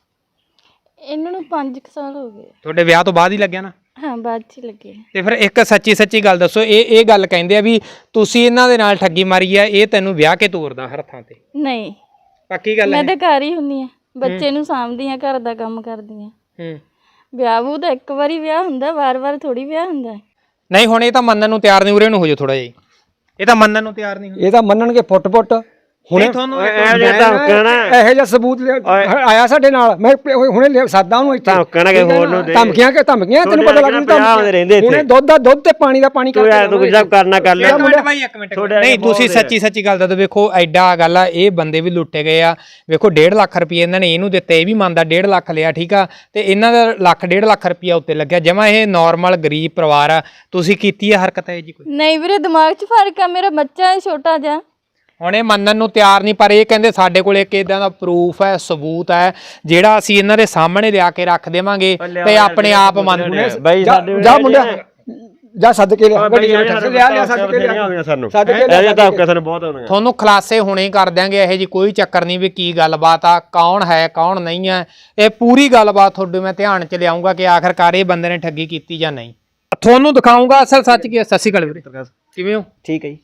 ਇਹਨਾਂ ਨੂੰ ਪੰਜ ਕੁ ਸਾਲ ਹੋ ਗਏ।
ਤੁਹਾਡੇ ਵਿਆਹ ਤੋਂ ਬਾਅਦ ਹੀ ਲੱਗਿਆ ਨਾ?
ਹਾਂ ਬਾਅਦ ਚ ਹੀ ਲੱਗੇ।
ਤੇ ਫਿਰ ਇੱਕ ਸੱਚੀ ਸੱਚੀ ਗੱਲ ਦੱਸੋ, ਇਹ ਇਹ ਗੱਲ ਕਹਿੰਦੇ ਆ ਵੀ ਤੁਸੀਂ ਇਹਨਾਂ ਦੇ ਨਾਲ ਠੱਗੀ ਮਾਰੀ ਆ, ਇਹ ਤੈਨੂੰ ਵਿਆਹ ਕੇ ਤੋਰਦਾ ਹਰ ਥਾਂ ਤੇ?
ਨਹੀਂ
ਪੱਕੀ ਗੱਲ
ਮੈਂ
ਹੈ?
ਤਾਂ ਘਰ ਹੀ ਹੁੰਦੀ ਆ, ਬੱਚੇ ਨੂੰ ਸਾਂਭਦੀ ਆ, ਘਰ ਦਾ ਕੰਮ ਕਰਦੀ ਆ।
ਹੂੰ।
ਵਿਆਹ ਵੂ ਤਾਂ ਇੱਕ ਵਾਰੀ ਵਿਆਹ ਹੁੰਦਾ, ਵਾਰ-ਵਾਰ ਥੋੜੀ ਵਿਆਹ ਹੁੰਦਾ।
ਨਹੀਂ ਹੁਣ ਇਹ ਤਾਂ ਮੰਨਣ ਨੂੰ ਤਿਆਰ ਨਹੀਂ, ਉਰੇ ਨੂੰ ਹੋ ਜਾ ਥੋੜਾ ਜਿਹਾ। ਇਹ ਤਾਂ ਮੰਨਣ ਨੂੰ ਤਿਆਰ ਨਹੀਂ।
ਇਹ ਤਾਂ ਮੰਨਣਗੇ ਫੁੱਟ ਫੁੱਟ। ਹੁਣੇ
ਤੁਹਾਨੂੰ
ਇਹ ਜਿਹਾ ਧਮਕਣਾ,
ਇਹੋ ਜਿਹਾ ਸਬੂਤ ਆਇਆ ਸਾਡੇ ਨਾਲ, ਮੈਂ ਹੁਣੇ ਸਾਦਾ ਉਹਨੂੰ ਇੱਥੇ
ਧਮਕਣਾ ਕਿ ਹੋਰ ਨੂੰ ਦੇ।
ਧਮਕੀਆਂ ਕਿ ਧਮਕੀਆਂ ਤੈਨੂੰ ਪਤਾ ਲੱਗ
ਰਹਿੰਦੇ
ਜੂ। ਹੁਣੇ ਦੁੱਧ ਦਾ ਦੁੱਧ ਤੇ ਪਾਣੀ ਦਾ ਪਾਣੀ
ਤੂੰ ਯਾਰ ਤੂੰ ਕੁਝ ਕਰਨਾ ਕਰ ਲੈ।
ਇੱਕ ਮਿੰਟ ਭਾਈ, ਇੱਕ ਮਿੰਟ। ਨਹੀਂ ਤੁਸੀਂ ਸੱਚੀ ਸੱਚੀ ਗੱਲ ਦੱਸੋ। ਵੇਖੋ ਐਡਾ ਗੱਲ ਆ, ਇਹ ਬੰਦੇ ਵੀ ਲੁੱਟੇ ਗਏ ਆ। ਵੇਖੋ ਡੇਢ ਲੱਖ ਰੁਪਏ ਇਹਨਾਂ ਨੇ ਇਹਨੂੰ ਦਿੱਤੇ, ਇਹ ਵੀ ਮੰਨਦਾ ਡੇਢ ਲੱਖ ਲਿਆ, ਠੀਕ ਆ, ਤੇ ਇਹਨਾਂ ਦਾ ਲੱਖ ਡੇਢ ਲੱਖ ਰੁਪਇਆ ਉੱਤੇ ਲੱਗਿਆ। ਜਮਾ ਇਹ ਨਾਰਮਲ ਗਰੀਬ ਪਰਿਵਾਰ ਆ, ਤੁਸੀਂ ਕੀਤੀ ਆ ਹਰਕਤ ਹੈ ਜੀ ਕੋਈ?
ਨਹੀਂ ਵੀਰੇ ਦਿਮਾਗ 'ਚ ਫਰਕ ਆ, ਮੇਰਾ ਬੱਚਾ ਹੈ ਛੋਟਾ ਜਿਹਾ।
ਹੁਣ ਇਹ ਮੰਨਣ ਨੂੰ ਤਿਆਰ ਨਹੀਂ, ਪਰ ਇਹ ਕਹਿੰਦੇ ਸਾਡੇ ਕੋਲ ਇੱਕ ਇਦਾਂ ਦਾ ਪ੍ਰੂਫ ਹੈ, ਸਬੂਤ ਹੈ, ਜਿਹੜਾ ਅਸੀਂ ਇਹਨਾਂ ਦੇ ਸਾਹਮਣੇ ਲਿਆ ਕੇ ਰੱਖ ਦੇਵਾਂਗੇ ਤੇ ਆਪਣੇ ਆਪ ਮੰਨ ਲੈਣਗੇ।
ਬਾਈ ਸਾਡੇ
ਜਾ ਮੁੰਡਿਆ ਜਾ ਸੱਦ ਕੇ ਲਿਆ, ਗੱਡੀ ਲਿਆ ਲਿਆ ਸੱਦ ਕੇ ਲਿਆ
ਸਾਨੂੰ।
ਸੱਦ ਕੇ
ਇਹ ਤਾਂ ਸਾਨੂੰ ਬਹੁਤ ਹੋਣਗੇ।
ਤੁਹਾਨੂੰ ਖੁਲਾਸੇ ਹੁਣੇ ਹੀ ਕਰ ਦਿਆਂਗੇ, ਇਹੋ ਜੀ ਕੋਈ ਚੱਕਰ ਨਹੀਂ ਵੀ ਕੀ ਗੱਲਬਾਤ ਆ, ਕੌਣ ਹੈ ਕੌਣ ਨਹੀਂ ਹੈ। ਇਹ ਪੂਰੀ ਗੱਲਬਾਤ ਤੁਹਾਡੇ ਮੈਂ ਧਿਆਨ 'ਚ ਲਿਆਉਂਗਾ ਕਿ ਆਖਰਕਾਰ ਇਹ ਬੰਦੇ ਨੇ ਠੱਗੀ ਕੀਤੀ ਜਾਂ ਨਹੀਂ। ਤੁਹਾਨੂੰ ਦਿਖਾਉਂਗਾ ਅਸਲ ਸੱਚ ਕੀ ਹੈ। ਸਤਿ ਸ਼੍ਰੀ ਅਕਾਲ ਵੀਰੇ, ਕਿਵੇਂ ਹੋ?
ਠੀਕ ਹੈ ਜੀ।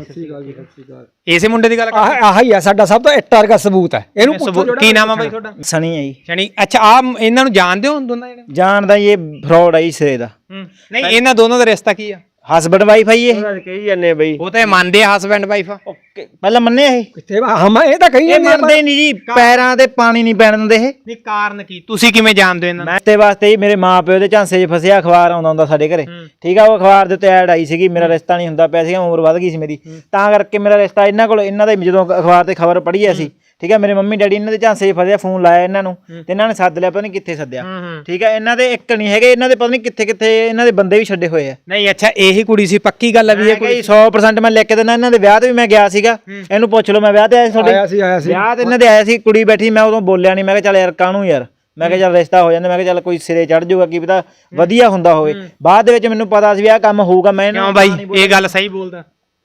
ਇਸੇ ਮੁੰਡੇ ਦੀ ਗੱਲ ਕਰ?
ਆਹ ਆਹ ਹੀ ਆ ਸਾਡਾ ਸਭ ਤੋਂ ਇੱਟਾਂ ਵਰਗਾ ਸਬੂਤ ਹੈ। ਇਹਨੂੰ ਪੁੱਛੋ
ਕੀ ਨਾਮ ਆ ਬਾਈ ਤੁਹਾਡਾ?
ਸਣੀ ਹੈ ਜੀ।
ਸ਼ਨੀ। ਅੱਛਾ ਆ ਇਹਨਾਂ ਨੂੰ ਜਾਣਦੇ ਹੋ ਦੋਨਾਂ ਜਣੇ?
ਜਾਣਦਾ ਇਹ ਫਰਾਡ ਆ ਜੀ ਸਿਰੇ ਦਾ।
ਨਹੀਂ ਇਹਨਾਂ ਦੋਨਾਂ ਦਾ ਰਿਸ਼ਤਾ ਕੀ ਆ?
ਹਸਬੈਂਡ ਵਾਈਫ ਆਈ ਇਹ।
ਕਹੀ ਜਾਂਦੇ ਬਈ,
ਉਹ ਤਾਂ ਇਹ ਮੰਨਦੇ ਆ ਹਸਬੈਂਡ ਵਾਈਫ ਆ।
ਪਹਿਲਾਂ ਮੰਨੇ ਇਹ
ਕਿੱਥੇ ਹਮ ਇਹ ਤਾਂ ਕਹੀ
ਇਹ ਮੰਨਦੇ ਨਹੀਂ ਜੀ, ਪੈਰਾਂ ਤੇ ਪਾਣੀ ਨਹੀਂ ਪੈਣ ਦਿੰਦੇ ਇਹ।
ਨਹੀਂ ਕਾਰਨ ਕੀ, ਤੁਸੀਂ ਕਿਵੇਂ ਜਾਣਦੇ ਹੋ ਇਹਨਾਂ ਨੂੰ?
ਮੈਂ ਤੇ ਵਾਸਤੇ ਹੀ ਮੇਰੇ ਮਾਪਿਓ ਦੇ ਝਾਂਸੇ 'ਚ ਫਸਿਆ, ਅਖਬਾਰ ਆਉਂਦਾ ਹੁੰਦਾ ਸਾਡੇ ਘਰੇ, ਠੀਕ ਆ। ਉਹ ਅਖਬਾਰ ਦੇ ਉੱਤੇ ਐਡ ਆਈ ਸੀਗੀ, ਮੇਰਾ ਰਿਸ਼ਤਾ ਨਹੀਂ ਹੁੰਦਾ ਪਿਆ ਸੀਗਾ, ਉਮਰ ਵੱਧ ਗਈ ਸੀ ਮੇਰੀ, ਤਾਂ ਕਰਕੇ ਮੇਰਾ ਰਿਸ਼ਤਾ ਇਹਨਾਂ ਕੋਲ, ਇਹਨਾਂ ਦੇ ਜਦੋਂ ਅਖਬਾਰ ਤੇ ਖਬਰ ਪੜ੍ਹੀ ਅਸੀਂ, ਠੀਕ ਆ, ਮੇਰੇ ਮੰਮੀ ਡੈਡੀ ਇਹਨਾਂ ਦੇ ਝਾਂਸੇ 'ਚ ਫਸਿਆ, ਫੋਨ ਲਾਇਆ ਇਹਨਾਂ ਨੂੰ ਤੇ ਇਹਨਾਂ ਨੇ ਸੱਦ ਲਿਆ, ਪਤਾ ਨਹੀਂ ਕਿੱਥੇ ਸੱਦਿਆ, ਠੀਕ ਆ। ਇਹਨਾਂ ਦੇ ਇੱਕ ਨਹੀਂ ਹੈਗੇ, ਇਹਨਾਂ ਦੇ ਪਤਾ ਨਹੀਂ ਕਿੱਥੇ ਕਿੱਥੇ ਇਹਨਾਂ ਦੇ ਬੰਦੇ ਵੀ ਛੱਡੇ ਹੋਏ ਆ।
ਨਹੀਂ ਅੱਛਾ ਇਹੀ ਕੁੜੀ ਸੀ, ਪੱਕੀ ਗੱਲ ਹੈ ਵੀ ਇਹ
ਕੋਈ ਸੌ ਪ੍ਰਸੈਂਟ ਮੈਂ ਲਿਖ ਕੇ ਦਿੰਦਾ। ਇਹਨਾਂ ਦੇ ਵਿਆਹ ਤੇ ਵੀ ਮੈਂ ਗਿਆ ਸੀਗਾ, ਇਹਨੂੰ ਪੁੱਛ ਲਓ, ਮੈਂ ਵਿਆਹ ਤੇ ਆਇਆ ਸੀ ਤੁਹਾਡੇ।
ਆਇਆ ਸੀ ਆਇਆ ਸੀ
ਵਿਆਹ ਤੇ ਇਹਨਾਂ ਦੇ ਆਇਆ ਸੀ, ਕੁੜੀ ਬੈਠੀ, ਮੈਂ ਉਦੋਂ ਬੋਲਿਆ ਨਹੀਂ, ਮੈਂ ਕਿਹਾ ਚੱਲ ਯਾਰ ਕਾਹਨੂੰ ਯਾਰ, ਮੈਂ ਕਿਹਾ ਚੱਲ ਰਿਸ਼ਤਾ ਹੋ ਜਾਂਦਾ, ਮੈਂ ਕਿਹਾ ਚੱਲ ਕੋਈ ਸਿਰੇ ਚੜ ਜਾਊਗਾ, ਕੀ ਪਤਾ ਵਧੀਆ ਹੁੰਦਾ ਹੋਵੇ। ਬਾਅਦ ਦੇ ਵਿੱਚ ਮੈਨੂੰ ਪਤਾ ਸੀ ਵੀ ਆਹ ਕੰਮ ਹੋਊਗਾ। ਮੈਂ
ਕਿਉਂ ਬਾਈ ਇਹ ਗੱਲ ਸਹੀ ਬੋਲਦਾ?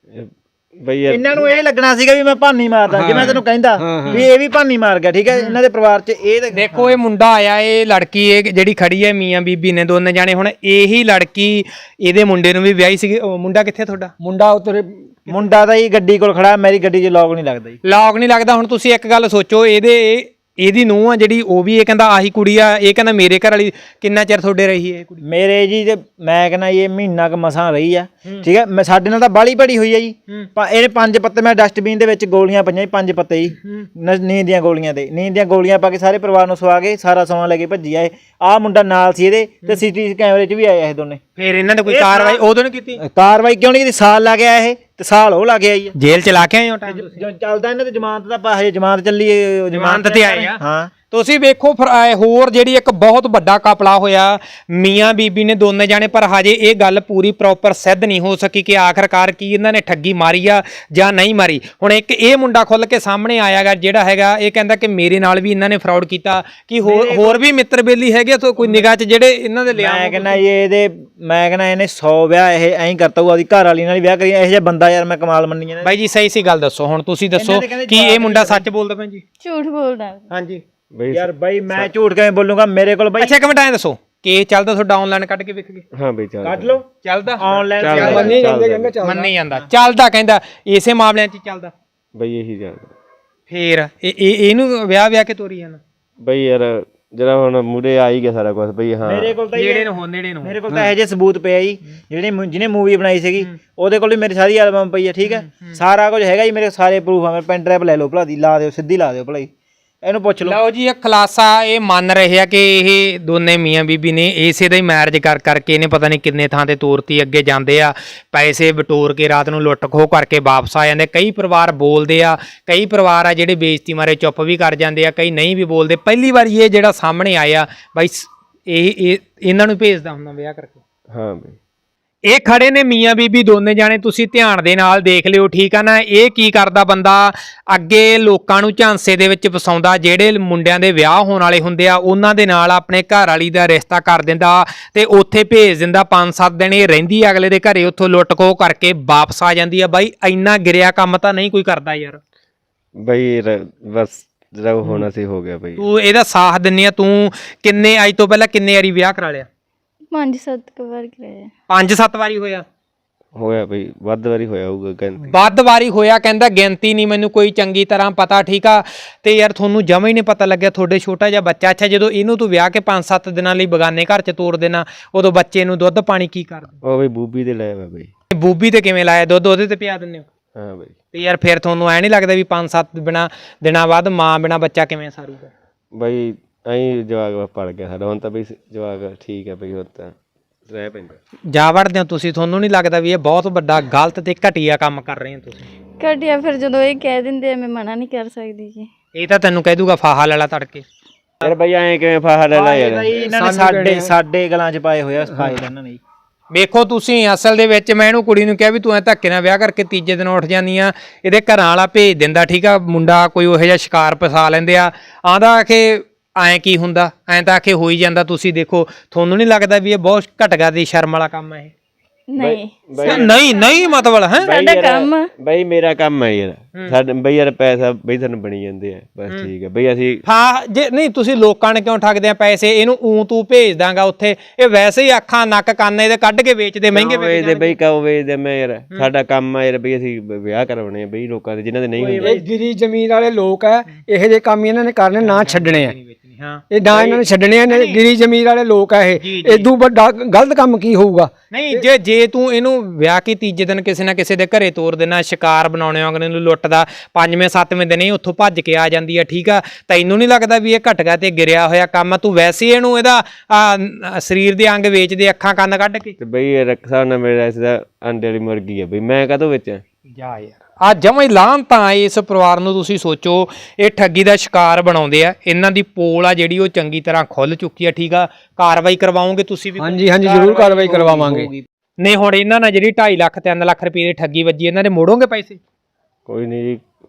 ਬਈ ਯਾਰ
ਇਹਨਾਂ ਨੂੰ ਇਹ ਲੱਗਣਾ ਸੀਗਾ ਵੀ ਮੈਂ ਭਾਨੀ ਮਾਰਦਾ, ਜੇ ਮੈਂ ਤੈਨੂੰ ਕਹਿੰਦਾ ਵੀ ਇਹ ਵੀ ਭਾਨੀ ਮਾਰ ਗਿਆ, ਠੀਕ ਹੈ। ਇਹਨਾਂ ਦੇ ਪਰਿਵਾਰ 'ਚ ਇਹ
ਦੇਖੋ ਇਹ ਮੁੰਡਾ ਆਇਆ, ਇਹ ਲੜਕੀ ਇਹ ਜਿਹੜੀ ਖੜੀ ਹੈ ਮੀਆਂ ਬੀਬੀ ਨੇ ਦੋਨੇ ਜਾਣੇ, ਹੁਣ ਇਹੀ ਲੜਕੀ ਇਹਦੇ ਮੁੰਡੇ ਨੂੰ ਵੀ ਵਿਆਹੀ ਸੀਗੀ। ਉਹ ਮੁੰਡਾ ਕਿੱਥੇ ਤੁਹਾਡਾ?
ਮੁੰਡਾ ਉਤਰੇ
ਮੁੰਡਾ ਤਾਂ ਹੀ ਗੱਡੀ ਕੋਲ ਖੜਾ, ਮੇਰੀ ਗੱਡੀ 'ਚ ਲੌਕ ਨਹੀਂ ਲੱਗਦਾ ਜੀ।
ਲੌਕ ਨਹੀਂ ਲੱਗਦਾ। ਹੁਣ ਤੁਸੀਂ ਇੱਕ ਗੱਲ ਸੋਚੋ, ਇਹਦੇ ਇਹਦੀ ਨੂੰਹ ਆ ਜਿਹੜੀ, ਉਹ ਵੀ ਇਹ ਕਹਿੰਦਾ ਆਹੀ ਕੁੜੀ ਆ, ਇਹ ਕਹਿੰਦਾ ਮੇਰੇ ਘਰ ਵਾਲੀ। ਕਿੰਨਾ ਚਿਰ ਤੁਹਾਡੇ ਰਹੀ ਹੈ ਇਹ ਕੁੜੀ?
ਮੇਰੇ ਜੀ ਤੇ ਮੈਂ ਕਹਿੰਦਾ ਇਹ ਮਹੀਨਾ ਕ ਮਸਾਂ ਰਹੀ ਆ, ਠੀਕ ਹੈ। ਮੈਂ ਸਾਡੇ ਨਾਲ ਤਾਂ ਬਾਲੀ ਭੜੀ ਹੋਈ ਆ ਜੀ। ਇਹਨੇ ਪੰਜ ਪੱਤੇ, ਮੈਂ ਡਸਟਬਿਨ ਦੇ ਵਿੱਚ ਗੋਲੀਆਂ ਪਈਆਂ ਜੀ, ਪੰਜ ਪੱਤੇ ਜੀ, ਨੀਂਦ ਦੀਆਂ ਗੋਲੀਆਂ ਤੇ ਨੀਂਦ ਦੀਆਂ ਗੋਲੀਆਂ ਪਾ ਕੇ ਸਾਰੇ ਪਰਿਵਾਰ ਨੂੰ ਸਵਾ ਕੇ ਸਾਰਾ ਸਮਾਂ ਲੈ ਕੇ ਭੱਜੀ ਆ ਇਹ। ਆਹ ਮੁੰਡਾ ਨਾਲ ਸੀ ਇਹਦੇ, ਤੇ ਸੀਟੀ ਕੈਮਰੇ 'ਚ ਵੀ ਆਇਆ ਇਹ ਦੋਨੇ।
ਫਿਰ ਇਹਨਾਂ ਨੇ ਕੋਈ ਕਾਰਵਾਈ ਉਦੋਂ ਨਹੀਂ ਕੀਤੀ?
ਕਾਰਵਾਈ ਕਿਉਂ ਨਹੀਂ ਕੀਤੀ? ਸਾਲ ਲੱਗ ਗਿਆ ਇਹ, ਤੇ ਸਾਲ ਉਹ ਲੱਗ ਗਿਆ ਜੀ।
ਜੇਲ੍ਹ ਚ ਲਾ ਕੇ ਆਏ ਹੋ ਟਾਈਮ?
ਜੋ ਚੱਲਦਾ ਇਹਨਾਂ ਤੇ ਜ਼ਮਾਨਤ ਦਾ ਪਾ, ਹਜੇ ਜ਼ਮਾਨਤ ਚੱਲੀ,
ਜ਼ਮਾਨਤ ਤੇ ਆਏ ਆ।
ਹਾਂ
ਤੁਸੀਂ ਵੇਖੋ ਫਿਰ ਆਹ ਹੋਰ ਜਿਹੜੀ ਇੱਕ ਬਹੁਤ ਵੱਡਾ ਕਪਲਾ ਹੋਇਆ ਮੀਆਂ ਬੀਬੀ ਨੇ ਦੋਨੇ ਜਾਣੇ, ਪਰ ਹਜੇ ਇਹ ਗੱਲ ਪੂਰੀ ਪ੍ਰੋਪਰ ਸਿੱਧ ਨਹੀਂ ਹੋ ਸਕੀ ਕਿ ਆਖਰਕਾਰ ਕੀ ਇਹਨਾਂ ਨੇ ਠੱਗੀ ਮਾਰੀ ਆ ਜਾਂ ਨਹੀਂ ਮਾਰੀ। ਹੁਣ ਇੱਕ ਇਹ ਮੁੰਡਾ ਖੁੱਲ ਕੇ ਸਾਹਮਣੇ ਆਇਆਗਾ ਜਿਹੜਾ ਹੈਗਾ, ਇਹ ਕਹਿੰਦਾ ਕਿ ਮੇਰੇ ਨਾਲ ਵੀ ਇਹਨਾਂ ਨੇ ਫਰਾਡ ਕੀਤਾ। ਕਿ ਹੋਰ ਹੋਰ ਵੀ ਮਿੱਤਰ ਬੇਲੀ ਹੈਗੇ ਤੋਂ ਕੋਈ ਨਿਗਾਹ 'ਚ ਜਿਹੜੇ ਇਹਨਾਂ ਦੇ ਲਿਆ?
ਮੈਂ ਕਹਿੰਦਾ ਇਹ ਇਹਦੇ ਮੈਂ ਕਹਿੰਦਾ ਇਹਨੇ ਸੌ ਵਿਆਹ ਇਹ ਐਂ ਕਰਤਾ ਹੋਊ, ਉਹਦੀ ਘਰ ਵਾਲੀ ਨਾਲ ਹੀ ਵਿਆਹ ਕਰੀ। ਇਹੋ ਜਿਹਾ ਬੰਦਾ ਯਾਰ ਮੈਂ ਕਮਾਲ ਮੰਨੀ ਜਾਂਦਾ।
ਬਾਈ ਜੀ ਸਹੀ ਸੀ ਗੱਲ ਦੱਸੋ, ਹੁਣ ਤੁਸੀਂ ਦੱਸੋ ਕਿ ਇਹ ਮੁੰਡਾ ਸੱਚ ਬੋਲਦਾ ਭੈਣ ਜੀ?
ਝੂਠ ਬੋਲਦਾ।
ਹਾਂਜੀ
ਬਈ
ਯਾਰ ਬਾਈ ਮੈਂ ਝੂਠ ਕਿਵੇਂ ਬੋਲੂੰਗਾ? ਮੇਰੇ ਕੋਲ ਬਾਈ
ਅੱਛਾ ਇੱਕ ਮਿੰਟ ਐਂ ਦੱਸੋ ਕਿ ਚੱਲਦਾ ਤੁਹਾਡਾ ਆਨਲਾਈਨ ਕੱਢ ਕੇ ਵਿਕ ਗਏ?
ਹਾਂ ਬਈ ਚੱਲ
ਕੱਢ ਲਓ,
ਚੱਲਦਾ
ਆਨਲਾਈਨ
ਮੰਨੀ ਜਾਂਦੇ ਕਹਿੰਦੇ ਚੱਲ
ਮੰਨੀ ਜਾਂਦਾ, ਚੱਲਦਾ ਕਹਿੰਦਾ ਇਸੇ ਮਾਮਲਿਆਂ 'ਚ ਚੱਲਦਾ।
ਬਈ ਇਹੀ ਚੱਲਦਾ।
ਫੇਰ ਇਹ ਇਹ ਇਹਨੂੰ ਵਿਆਹ ਵਿਆਹ ਕੇ ਤੋਰੀ ਜਾਂਦਾ
ਬਈ ਯਾਰ ਜਿਹੜਾ ਹੁਣ ਮੂਰੇ ਆ ਹੀ ਗਿਆ ਸਾਰਾ ਕੁਝ ਬਈ। ਹਾਂ
ਮੇਰੇ ਕੋਲ ਤਾਂ
ਨੇੜੇ ਨੂੰ ਹੋ ਨੇੜੇ ਨੂੰ
ਮੇਰੇ ਕੋਲ ਤਾਂ ਇਹੋ ਜਿਹੇ ਸਬੂਤ ਪਿਆ ਜੀ, ਜਿਹੜੇ ਜਿਹਨੇ ਮੂਵੀ ਬਣਾਈ ਸੀਗੀ ਉਹਦੇ ਕੋਲ ਵੀ ਮੇਰੀ ਸਾਰੀ ਐਲਬਮ ਪਈ ਹੈ, ਠੀਕ ਹੈ। ਸਾਰਾ ਕੁਝ ਹੈਗਾ ਜੀ, ਮੇਰੇ ਸਾਰੇ ਪ੍ਰੂਫ ਆ। ਮੇਰੇ ਪੈਨ ਡਰਾਈਵ ਲੈ ਲਓ ਭਲਾ ਦੀ, ਲਾ ਦਿਓ, ਸਿੱਧੀ ਲਾ ਦਿਓ ਭਲਾ ਜੀ, ਇਹਨੂੰ ਪੁੱਛ ਲਓ।
ਲਓ ਜੀ ਇਹ ਖੁਲਾਸਾ ਇਹ ਮੰਨ ਰਹੇ ਆ ਕਿ ਇਹ ਦੋਨੇ ਮੀਆਂ ਬੀਬੀ ਨੇ ਇਸੇ ਦਾ ਹੀ ਮੈਰਿਜ ਕਰ ਕਰਕੇ ਇਹਨੇ ਪਤਾ ਨਹੀਂ ਕਿੰਨੇ ਥਾਂ ਤੇ ਤੋਰਤੀ। ਅੱਗੇ ਜਾਂਦੇ ਆ ਪੈਸੇ ਬਟੋਰ ਕੇ ਰਾਤ ਨੂੰ ਲੁੱਟ ਖੋਹ ਕਰਕੇ ਵਾਪਸ ਆ ਜਾਂਦੇ। ਕਈ ਪਰਿਵਾਰ ਬੋਲਦੇ ਆ, ਕਈ ਪਰਿਵਾਰ ਆ ਜਿਹੜੇ ਬੇਇੱਜ਼ਤੀ ਮਾਰੇ ਚੁੱਪ ਵੀ ਕਰ ਜਾਂਦੇ ਆ, ਕਈ ਨਹੀਂ ਵੀ ਬੋਲਦੇ। ਪਹਿਲੀ ਵਾਰੀ ਇਹ ਜਿਹੜਾ ਸਾਹਮਣੇ ਆਇਆ ਬਾਈ, ਇਹ ਇਹ ਇਹਨਾਂ ਨੂੰ ਭੇਜਦਾ ਹੁੰਦਾ ਵਿਆਹ ਕਰਕੇ।
ਹਾਂ ਬਈ
ਇਹ ਖੜੇ ਨੇ ਮੀਆਂ ਬੀਬੀ ਦੋਨੇ ਜਾਣੇ, ਤੁਸੀਂ ਧਿਆਨ ਦੇ ਨਾਲ ਦੇਖ ਲਿਓ, ਠੀਕ ਆ ਨਾ। ਇਹ ਕੀ ਕਰਦਾ ਬੰਦਾ, ਅੱਗੇ ਲੋਕਾਂ ਨੂੰ ਝਾਂਸੇ ਦੇ ਵਿੱਚ ਫਸਾਉਂਦਾ। ਜਿਹੜੇ ਮੁੰਡਿਆਂ ਦੇ ਵਿਆਹ ਹੋਣ ਵਾਲੇ ਹੁੰਦੇ ਆ ਉਹਨਾਂ ਦੇ ਨਾਲ ਆਪਣੇ ਘਰ ਵਾਲੀ ਦਾ ਰਿਸ਼ਤਾ ਕਰ ਦਿੰਦਾ ਤੇ ਉੱਥੇ ਭੇਜ ਦਿੰਦਾ। ਪੰਜ ਸੱਤ ਦਿਨ ਇਹ ਰਹਿੰਦੀ ਅਗਲੇ ਦੇ ਘਰੇ, ਉੱਥੋਂ ਲੁੱਟ ਖੋਹ ਕਰਕੇ ਵਾਪਸ ਆ ਜਾਂਦੀ ਆ। ਬਾਈ ਇੰਨਾ ਗਿਰਿਆ ਕੰਮ ਤਾਂ ਨਹੀਂ ਕੋਈ ਕਰਦਾ ਯਾਰ।
ਬਈ ਬਸ ਜਿਹੜਾ ਹੋਣਾ ਸੀ ਹੋ ਗਿਆ ਬਈ।
ਤੂੰ ਇਹਦਾ ਸਾਥ ਦਿੰਨੀ ਆ। ਤੂੰ ਕਿੰਨੇ ਅੱਜ ਤੋਂ ਪਹਿਲਾਂ ਕਿੰਨੇ ਵਾਰੀ ਵਿਆਹ ਕਰਾ ਲਿਆ?
ਪੰਜ ਸੱਤ ਕੁ ਵਾਰ ਕਰਾਇਆ।
ਪੰਜ ਸੱਤ ਵਾਰੀ ਹੋਇਆ?
ਹੋਇਆ ਬਈ ਵੱਧ ਵਾਰੀ ਹੋਇਆ ਹੋਊਗਾ ਕਹਿੰਦੇ।
ਵੱਧ ਵਾਰੀ ਹੋਇਆ ਕਹਿੰਦਾ, ਗਿਣਤੀ ਨਹੀਂ ਮੈਨੂੰ ਕੋਈ ਚੰਗੀ ਤਰ੍ਹਾਂ ਪਤਾ, ਠੀਕ ਆ। ਤੇ ਯਾਰ ਤੁਹਾਨੂੰ ਜਮਾ ਹੀ ਨਹੀਂ ਪਤਾ ਲੱਗਿਆ, ਤੁਹਾਡੇ ਛੋਟਾ ਜਿਹਾ ਬੱਚਾ। ਅੱਛਾ ਜਦੋਂ ਇਹਨੂੰ ਤੂੰ ਵਿਆਹ ਕੇ ਪੰਜ ਸੱਤ ਦਿਨਾਂ ਲਈ ਬਗਾਨੇ ਘਰ 'ਚ ਤੋਰ ਦੇਣਾ, ਉਦੋਂ ਬੱਚੇ ਨੂੰ ਦੁੱਧ ਪਾਣੀ ਕੀ ਕਰਦਾ?
ਉਹ ਬਈ ਬੂਬੀ ਦੇ ਲੈ ਵਾ ਬਈ।
ਬੂਬੀ ਤੇ ਕਿਵੇਂ ਲਾਇਆ ਦੁੱਧ? ਉਹਦੇ ਤੇ ਪਿਆ ਦਿੰਦੇ ਹੋ?
ਹਾਂ ਬਈ।
ਤੇ ਯਾਰ ਫਿਰ ਤੁਹਾਨੂੰ ਐ ਨਹੀਂ ਲੱਗਦਾ ਵੀ ਪੰਜ ਸੱਤ ਬਿਨਾ ਦਿਨਾਂ ਬਾਅਦ ਮਾਂ ਬਿਨਾ ਬੱਚਾ ਕਿਵੇਂ ਸਾਰੂਗਾ?
ਬਈ ਐਂ ਜਵਾਕ ਪੜ ਗਿਆ ਸਾਡਾ। ਹੁਣ ਤਾਂ ਬਈ ਜਵਾਕ ਠੀਕ ਹੈ ਬਈ, ਹੁਣ ਤਾਂ ਰਹਿ ਪੈਂਦਾ।
ਜਾ ਵੜਦੇ ਹੋ ਤੁਸੀਂ, ਤੁਹਾਨੂੰ ਨਹੀਂ ਲੱਗਦਾ ਵੀ ਇਹ ਬਹੁਤ ਵੱਡਾ ਗਲਤ ਤੇ ਘਟੀਆ ਕੰਮ ਕਰ ਰਹੇ ਹੋ ਤੁਸੀਂ?
ਘਟਿਆ ਫਿਰ ਜਦੋਂ ਇਹ ਕਹਿ ਦਿੰਦੇ ਆ ਮੈਂ ਮਨਾ ਨਹੀਂ ਕਰ ਸਕਦੀ ਜੀ।
ਇਹ ਤਾਂ ਤੈਨੂੰ ਕਹਿ ਦੂਗਾ ਫਾਹਾ ਲੈ ਲਾ ਤੜਕੇ।
ਯਾਰ ਬਈ ਐਂ ਕਿਵੇਂ ਫਾਹਾ ਲੈ ਲਾ ਯਾਰ?
ਇਹਨਾਂ ਨੇ ਸਾਡੇ ਸਾਡੇ ਗਲਾਂ 'ਚ ਪਾਏ ਹੋਏ ਆ ਫਾਇਲ ਇਹਨਾਂ ਨੇ।
ਵੇਖੋ ਤੁਸੀਂ ਅਸਲ ਦੇ ਵਿੱਚ ਮੈਂ ਇਹਨੂੰ ਕੁੜੀ ਨੂੰ ਕਿਹਾ ਵੀ ਤੂੰ ਐ ਧੱਕੇ ਨਾਲ ਵਿਆਹ ਕਰਕੇ ਤੀਜੇ ਦਿਨ ਉੱਠ ਜਾਂਦੀ ਆ, ਇਹਦੇ ਘਰਾਂ ਵਾਲਾ ਭੇਜ ਦਿੰਦਾ, ਠੀਕ ਆ। ਮੁੰਡਾ ਕੋਈ ਉਹੋ ਜਿਹਾ ਸ਼ਿਕਾਰ ਫਸਾ ਲੈਂਦੇ ਆ, ਆਂਦਾ ਕਿ ਐਂ ਕੀ ਹੁੰਦਾ, ਐਂ ਤਾਂ ਆਖੇ ਹੋ ਹੀ ਜਾਂਦਾ। ਤੁਸੀਂ ਦੇਖੋ, ਤੁਹਾਨੂੰ ਨਹੀਂ ਲੱਗਦਾ ਵੀ ਇਹ ਬਹੁਤ ਘਟਗਾ ਦੀ ਸ਼ਰਮ ਵਾਲਾ ਕੰਮ ਹੈ ਇਹ?
ਨਹੀਂ
ਨਹੀਂ ਨਹੀਂ ਮਤਲਬ ਹੈ
ਸਾਡਾ ਕੰਮ
ਬਈ ਮੇਰਾ ਕੰਮ ਹੈ ਯਾਰ। ਸਾਡੇ ਬਈ ਯਾਰ ਪੈਸਾ ਬਈ ਤੁਹਾਨੂੰ ਬਣੀ ਜਾਂਦੇ ਆ, ਬਸ ਠੀਕ ਹੈ ਬਈ। ਅਸੀਂ
ਹਾਂ ਜੇ ਨਹੀਂ ਤੁਸੀਂ ਲੋਕਾਂ ਨੇ ਕਿਉਂ ਠੱਗਦੇ ਆ ਪੈਸੇ? ਇਹਨੂੰ ਊਂ ਤੂੰ ਭੇਜ ਦਾਂਗਾ ਉੱਥੇ, ਇਹ ਵੈਸੇ ਹੀ ਅੱਖਾਂ ਨੱਕ ਕੰਨ ਇਹਦੇ ਕੱਢ ਕੇ ਵੇਚਦੇ, ਮਹਿੰਗੇ
ਵੇਚਦੇ ਬਈ। ਕਾਉ ਵੇਚਦੇ ਮੈਂ ਯਾਰ, ਸਾਡਾ ਕੰਮ ਆ ਯਾਰ ਬਈ। ਅਸੀਂ ਵਿਆਹ ਕਰਾਉਣੇ ਆ ਬਈ ਲੋਕਾਂ ਦੇ ਜਿਨ੍ਹਾਂ ਦੇ ਨਹੀਂ ਹੁੰਦੇ।
ਇਹ ਗਿਰੀ ਜ਼ਮੀਨ ਵਾਲੇ ਲੋਕ ਆ, ਇਹੋ ਜਿਹੇ ਕੰਮ ਇਹਨਾਂ ਨੇ ਕਰਨੇ, ਨਾ ਛੱਡਣੇ ਆ।
ਹਾਂ
ਇਹ ਨਾ ਇਹਨਾਂ ਨੇ ਛੱਡਣੇ ਆ। ਗਿਰੀ ਜ਼ਮੀਨ ਵਾਲੇ ਲੋਕ ਆ ਇਹ। ਇਦੋਂ ਵੱਡਾ ਗਲਤ ਕੰਮ ਕੀ ਹੋਊਗਾ?
ਨਹੀਂ ਜੇ ਜੇ ਤੂੰ ਇਹਨੂੰ ਵਿਆਹ ਕੇ ਤੀਜੇ ਦਿਨ ਕਿਸੇ ਨਾ ਕਿਸੇ ਦੇ ਘਰੇ ਤੋਰ ਦੇਣਾ, ਸ਼ਿਕਾਰ ਬਣਾਉਣੇ ਅਗਲੇ ਨੂੰ ਲੁੱਟਦਾ, ਪੰਜਵੇਂ ਸੱਤਵੇਂ ਦਿਨ ਹੀ ਉੱਥੋਂ ਭੱਜ ਕੇ ਆ ਜਾਂਦੀ ਆ, ਠੀਕ ਆ। ਤੈਨੂੰ ਨਹੀਂ ਲੱਗਦਾ ਵੀ ਇਹ ਘਟਗਾ ਤੇ ਗਿਰਿਆ ਹੋਇਆ ਕੰਮ? ਤੂੰ ਵੈਸੇ ਇਹਨੂੰ ਇਹਦਾ ਸਰੀਰ ਦੇ ਅੰਗ ਵੇਚਦੇ, ਅੱਖਾਂ ਕੰਨ ਕੱਢ ਕੇ।
ਤੇ ਬਈ ਰੱਖਾ ਨਾ ਮੇਰਾ ਇਸ ਦਾ ਅੰਡੇ ਵਾਲੀ ਮੁਰਗੀ ਆ ਬਈ, ਮੈਂ ਕਾਹਤੋਂ ਵਿੱਚ
ਜਾ ਯਾਰ ਆ ਜਮਾਂ ਹੀ ਲਾਹਨ ਤਾਂ ਇਸ ਪਰਿਵਾਰ ਨੂੰ। ਤੁਸੀਂ ਸੋਚੋ ਇਹ ਠੱਗੀ ਦਾ ਸ਼ਿਕਾਰ ਬਣਾਉਂਦੇ ਆ, ਇਹਨਾਂ ਦੀ ਪੋਲ ਆ ਜਿਹੜੀ ਉਹ ਚੰਗੀ ਤਰ੍ਹਾਂ ਖੁੱਲ ਚੁੱਕੀ ਆ, ਠੀਕ ਆ। ਕਾਰਵਾਈ ਕਰਵਾਓਗੇ ਤੁਸੀਂ ਵੀ?
ਹਾਂਜੀ ਹਾਂਜੀ ਜ਼ਰੂਰ ਕਾਰਵਾਈ ਕਰਵਾਵਾਂਗੇ।
ਨਹੀਂ ਹੁਣ ਇਹਨਾਂ ਨਾਲ ਜਿਹੜੀ ਢਾਈ ਲੱਖ ਤਿੰਨ ਲੱਖ ਰੁਪਏ ਦੀ ਠੱਗੀ ਵੱਜੀ, ਇਹਨਾਂ ਦੇ ਮੋੜੋਗੇ ਪੈਸੇ?
ਕੋਈ ਨਹੀਂ ਜੀ,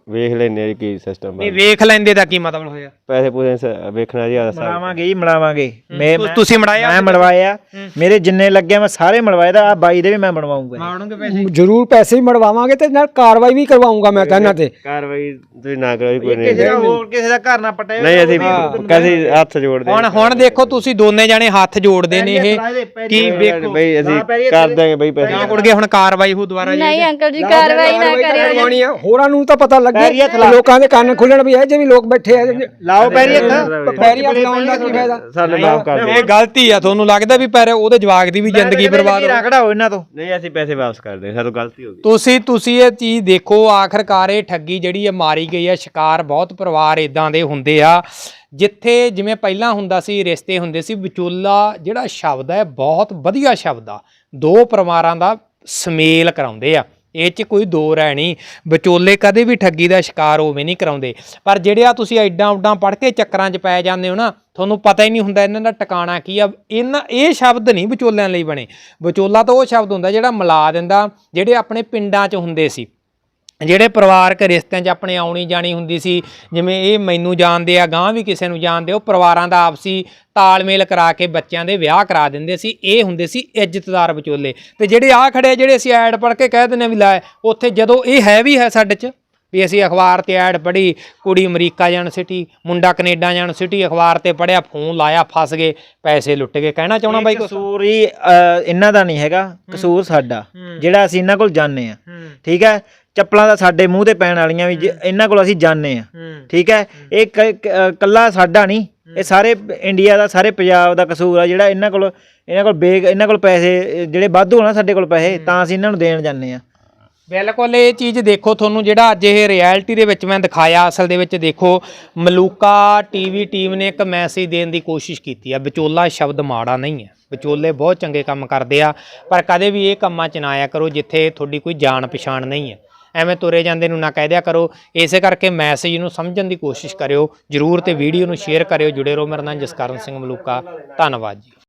ਵੇਖ ਲੈਨੇ ਆ ਜੀ ਕੀ ਸਿਸਟਮ
ਨਹੀਂ ਵੇਖ ਲੈਂਦੇ ਦਾ ਕੀ ਮਤਲਬ ਹੋਇਆ?
ਪੈਸੇ ਪੂਸੇ ਸ- ਵੇਖਣਾ ਜੀ ਆਦਾ
ਮੜਾਵਾਂਗੇ ਜੀ ਮੜਾਵਾਂਗੇ ਮੈਂ
ਤੁ- ਤੁਸੀਂ ਮੜਾਇਆ?
ਮੈਂ ਮੜਵਾਇਆ ਮੇਰੇ ਜਿੰਨੇ ਲੱਗੇ ਮੈਂ ਸਾਰੇ ਮੜਵਾਏ ਦਾ ਆ ਬਾਈ ਦੇ ਵੀ ਮੈਂ ਬਣਵਾਉਂਗਾ
ਮਾਣੋਗੇ ਪੈਸੇ?
ਜ਼ਰੂਰ ਪੈਸੇ ਵੀ ਮੜਵਾਵਾਂਗੇ ਤੇ ਨਾਲ ਕਾਰਵਾਈ ਵੀ ਕਰਵਾਉਂਗਾ ਮੈਂ ਤਾਂ ਇਹਨਾਂ ਤੇ।
ਕਾਰਵਾਈ ਤੁਸੀਂ ਨਾ ਕਰੋ ਜੀ, ਕੋਈ ਨਹੀਂ
ਕਿਸੇ ਦਾ ਹੋਰ ਕਿਸੇ ਦਾ ਘਰ ਨਾ ਪਟੇ
ਨਹੀਂ ਅਸੀਂ ਕਦੀ ਹੱਥ ਜੋੜਦੇ
ਹੁਣ ਹੁਣ ਦੇਖੋ ਤੁਸੀਂ ਦੋਨੇ ਜਾਣੇ ਹੱਥ ਜੋੜਦੇ ਨੇ ਇਹ ਕੀ ਵੇਖੋ
ਬਈ ਅਸੀਂ ਕਰ ਦਾਂਗੇ ਬਈ ਪੈਸੇ
ਜਾਂ ਕੁੜ ਗਏ ਹੁਣ ਕਾਰਵਾਈ ਹੋ ਦੁਬਾਰਾ ਜੀ?
ਨਹੀਂ ਅੰਕਲ ਜੀ ਕਾਰਵਾਈ ਨਾ ਕਰਿਓ
ਕਰਵਾਉਣੀ ਆ, ਹੋਰਾਂ ਨੂੰ ਤਾਂ ਪਤਾ ਲੱਗੇ ਲੋਕਾਂ ਦੇ ਕੰਨ ਖੁੱਲਣ ਵੀ ਇਹ ਜੇ ਵੀ ਲੋਕ ਬੈਠੇ ਆ
ਲਾਓ ਪੈਰੀ ਹੱਥ
ਪੈਰੀ ਹੱਥ ਲਾਉਣ ਦਾ ਕੀ ਫਾਇਦਾ?
ਸਾਨੂੰ ਮਾਫ ਕਰ ਦਿਓ।
ਇਹ ਗਲਤੀ ਆ, ਤੁਹਾਨੂੰ ਲੱਗਦਾ ਵੀ ਪਰ ਉਹਦੇ ਜਵਾਕ ਦੀ ਵੀ ਜ਼ਿੰਦਗੀ ਬਰਬਾਦ ਹੋ
ਰਖੜਾ ਹੋ ਇਹਨਾਂ ਤੋਂ।
ਨਹੀਂ ਅਸੀਂ ਪੈਸੇ ਵਾਪਸ ਕਰਦੇ ਹਾਂ, ਸਾਨੂੰ ਗਲਤੀ ਹੋ ਗਈ।
ਤੁਸੀਂ ਤੁਸੀਂ ਇਹ ਚੀਜ਼ ਦੇਖੋ, ਆਖਰਕਾਰ ਇਹ ਠੱਗੀ ਜਿਹੜੀ ਆ ਮਾਰੀ ਗਈ ਆ। ਸ਼ਿਕਾਰ ਬਹੁਤ ਪਰਿਵਾਰ ਇਦਾਂ ਦੇ ਹੁੰਦੇ ਆ ਜਿੱਥੇ ਜਿਵੇਂ ਪਹਿਲਾਂ ਹੁੰਦਾ ਸੀ ਰਿਸ਼ਤੇ ਹੁੰਦੇ ਸੀ, ਵਿਚੋਲਾ ਜਿਹੜਾ ਸ਼ਬਦ ਹੈ ਬਹੁਤ ਵਧੀਆ ਸ਼ਬਦ ਆ, ਦੋ ਪਰਿਵਾਰਾਂ ਦਾ ਸੁਮੇਲ ਕਰਾਉਂਦੇ ਆ, ਇਹ 'ਚ ਕੋਈ ਦੋ ਰਾਏ ਨਹੀਂ। ਵਿਚੋਲੇ ਕਦੇ ਵੀ ਠੱਗੀ ਦਾ ਸ਼ਿਕਾਰ ਹੋਵੇ ਨਹੀਂ ਕਰਾਉਂਦੇ, ਪਰ ਜਿਹੜੇ ਆ ਤੁਸੀਂ ਐਡਾਂ ਉੱਡਾਂ ਪੜ੍ਹ ਕੇ ਚੱਕਰਾਂ 'ਚ ਪੈ ਜਾਂਦੇ ਹੋ ਨਾ, ਤੁਹਾਨੂੰ ਪਤਾ ਹੀ ਨਹੀਂ ਹੁੰਦਾ ਇਹਨਾਂ ਦਾ ਟਿਕਾਣਾ ਕੀ ਆ। ਇਹਨਾਂ ਇਹ ਸ਼ਬਦ ਨਹੀਂ ਵਿਚੋਲਿਆਂ ਲਈ ਬਣੇ। ਵਿਚੋਲਾ ਤਾਂ ਉਹ ਸ਼ਬਦ ਹੁੰਦਾ ਜਿਹੜਾ ਮਿਲਾ ਦਿੰਦਾ, ਜਿਹੜੇ ਆਪਣੇ ਪਿੰਡਾਂ 'ਚ ਹੁੰਦੇ ਸੀ, ਜਿਹੜੇ ਪਰਿਵਾਰਕ ਰਿਸ਼ਤਿਆਂ 'ਚ ਆਪਣੇ ਆਉਣੀ ਜਾਣੀ ਹੁੰਦੀ ਸੀ, ਜਿਵੇਂ ਇਹ ਮੈਨੂੰ ਜਾਣਦੇ ਆ, ਗਾਂ ਵੀ ਕਿਸੇ ਨੂੰ ਜਾਣਦੇ, ਉਹ ਪਰਿਵਾਰਾਂ ਦਾ ਆਪਸੀ ਤਾਲਮੇਲ ਕਰਾ ਕੇ ਬੱਚਿਆਂ ਦੇ ਵਿਆਹ ਕਰਾ ਦਿੰਦੇ ਸੀ। ਇਹ ਹੁੰਦੇ ਸੀ ਇੱਜ਼ਤਦਾਰ ਵਿਚੋਲੇ। ਤੇ ਜਿਹੜੇ ਆ ਖੜੇ ਜਿਹੜੇ ਅਸੀਂ ਐਡ ਪੜ੍ਹ ਕੇ ਕਹਿ ਦਿੰਦੇ ਵੀ ਲੈ, ਉੱਥੇ ਜਦੋਂ ਇਹ ਹੈ ਵੀ ਹੈ ਸਾਡੇ 'ਚ ਵੀ ਅਸੀਂ ਅਖਬਾਰ ਤੇ ਐਡ ਪੜ੍ਹੀ, ਕੁੜੀ ਅਮਰੀਕਾ ਜਾਣ ਸਿਟੀ, ਮੁੰਡਾ ਕੈਨੇਡਾ ਜਾਣ ਸਿਟੀ, ਅਖਬਾਰ ਤੇ ਪੜ੍ਹਿਆ, ਫੋਨ ਲਾਇਆ, ਫਸ ਗਏ, ਪੈਸੇ ਲੁੱਟ ਗਏ। ਕਹਿਣਾ ਚਾਹਣਾ ਬਾਈ ਕੁਛ?
ਕਸੂਰ ਹੀ ਇਹਨਾਂ ਦਾ ਨਹੀਂ ਹੈਗਾ, ਕਸੂਰ ਸਾਡਾ ਜਿਹੜਾ ਅਸੀਂ ਇਹਨਾਂ ਕੋਲ ਜਾਂਦੇ ਆ। ਠੀਕ ਹੈ, ਚੱਪਲਾਂ ਦਾ ਸਾਡੇ ਮੂੰਹ ਤੇ ਪੈਣ ਵਾਲੀਆਂ ਵੀ ਇਹਨਾਂ ਕੋਲ ਅਸੀਂ ਜਾਂਦੇ ਆ। ਠੀਕ ਹੈ, ਇਹ ਕੱਲਾ ਸਾਡਾ ਨਹੀਂ, ਇਹ ਸਾਰੇ ਇੰਡੀਆ ਦਾ, ਸਾਰੇ ਪੰਜਾਬ ਦਾ ਕਸੂਰ ਆ ਜਿਹੜਾ ਇਹਨਾਂ ਕੋਲ ਇਹਨਾਂ ਕੋਲ ਬੇਗ ਇਹਨਾਂ ਕੋਲ ਪੈਸੇ ਜਿਹੜੇ ਵਾਧੂ ਹੋਣਾ ਸਾਡੇ ਕੋਲ ਪੈਸੇ, ਤਾਂ ਅਸੀਂ ਇਹਨਾਂ ਨੂੰ ਦੇਣ ਜਾਂਦੇ ਆ।
ਬਿਲਕੁਲ ਇਹ ਚੀਜ਼ ਦੇਖੋ, ਤੁਹਾਨੂੰ ਜਿਹੜਾ ਅੱਜ ਇਹ ਰਿਐਲਿਟੀ ਦੇ ਵਿੱਚ ਮੈਂ ਦਿਖਾਇਆ, ਅਸਲ ਦੇ ਵਿੱਚ ਦੇਖੋ ਮਲੂਕਾ ਟੀਵੀ ਟੀਮ ਨੇ ਇੱਕ ਮੈਸੇਜ ਦੇਣ ਦੀ ਕੋਸ਼ਿਸ਼ ਕੀਤੀ ਆ। ਵਿਚੋਲਾ ਸ਼ਬਦ ਮਾੜਾ ਨਹੀਂ ਹੈ, ਵਿਚੋਲੇ ਬਹੁਤ ਚੰਗੇ ਕੰਮ ਕਰਦੇ ਆ, ਪਰ ਕਦੇ ਵੀ ਇਹ ਕੰਮਾਂ 'ਚ ਨਾ ਆਇਆ ਕਰੋ ਜਿੱਥੇ ਤੁਹਾਡੀ ਕੋਈ ਜਾਣ ਪਛਾਣ ਨਹੀਂ ਹੈ। ਐਵੇਂ ਤੁਰੇ ਜਾਂਦੇ ਨੂੰ ਨਾ ਕਹਿ ਦਿਆ ਕਰੋ। ਇਸੇ ਕਰਕੇ ਮੈਸੇਜ ਨੂੰ ਸਮਝਣ ਦੀ ਕੋਸ਼ਿਸ਼ ਕਰਿਓ ਜ਼ਰੂਰ, ਤੇ ਵੀਡੀਓ ਨੂੰ ਸ਼ੇਅਰ ਕਰਿਓ। ਜੁੜੇ ਰਹੋ ਮੇਰੇ ਨਾਲ, ਜਸਕਰਨ ਸਿੰਘ ਮਲੂਕਾ। ਧੰਨਵਾਦ ਜੀ।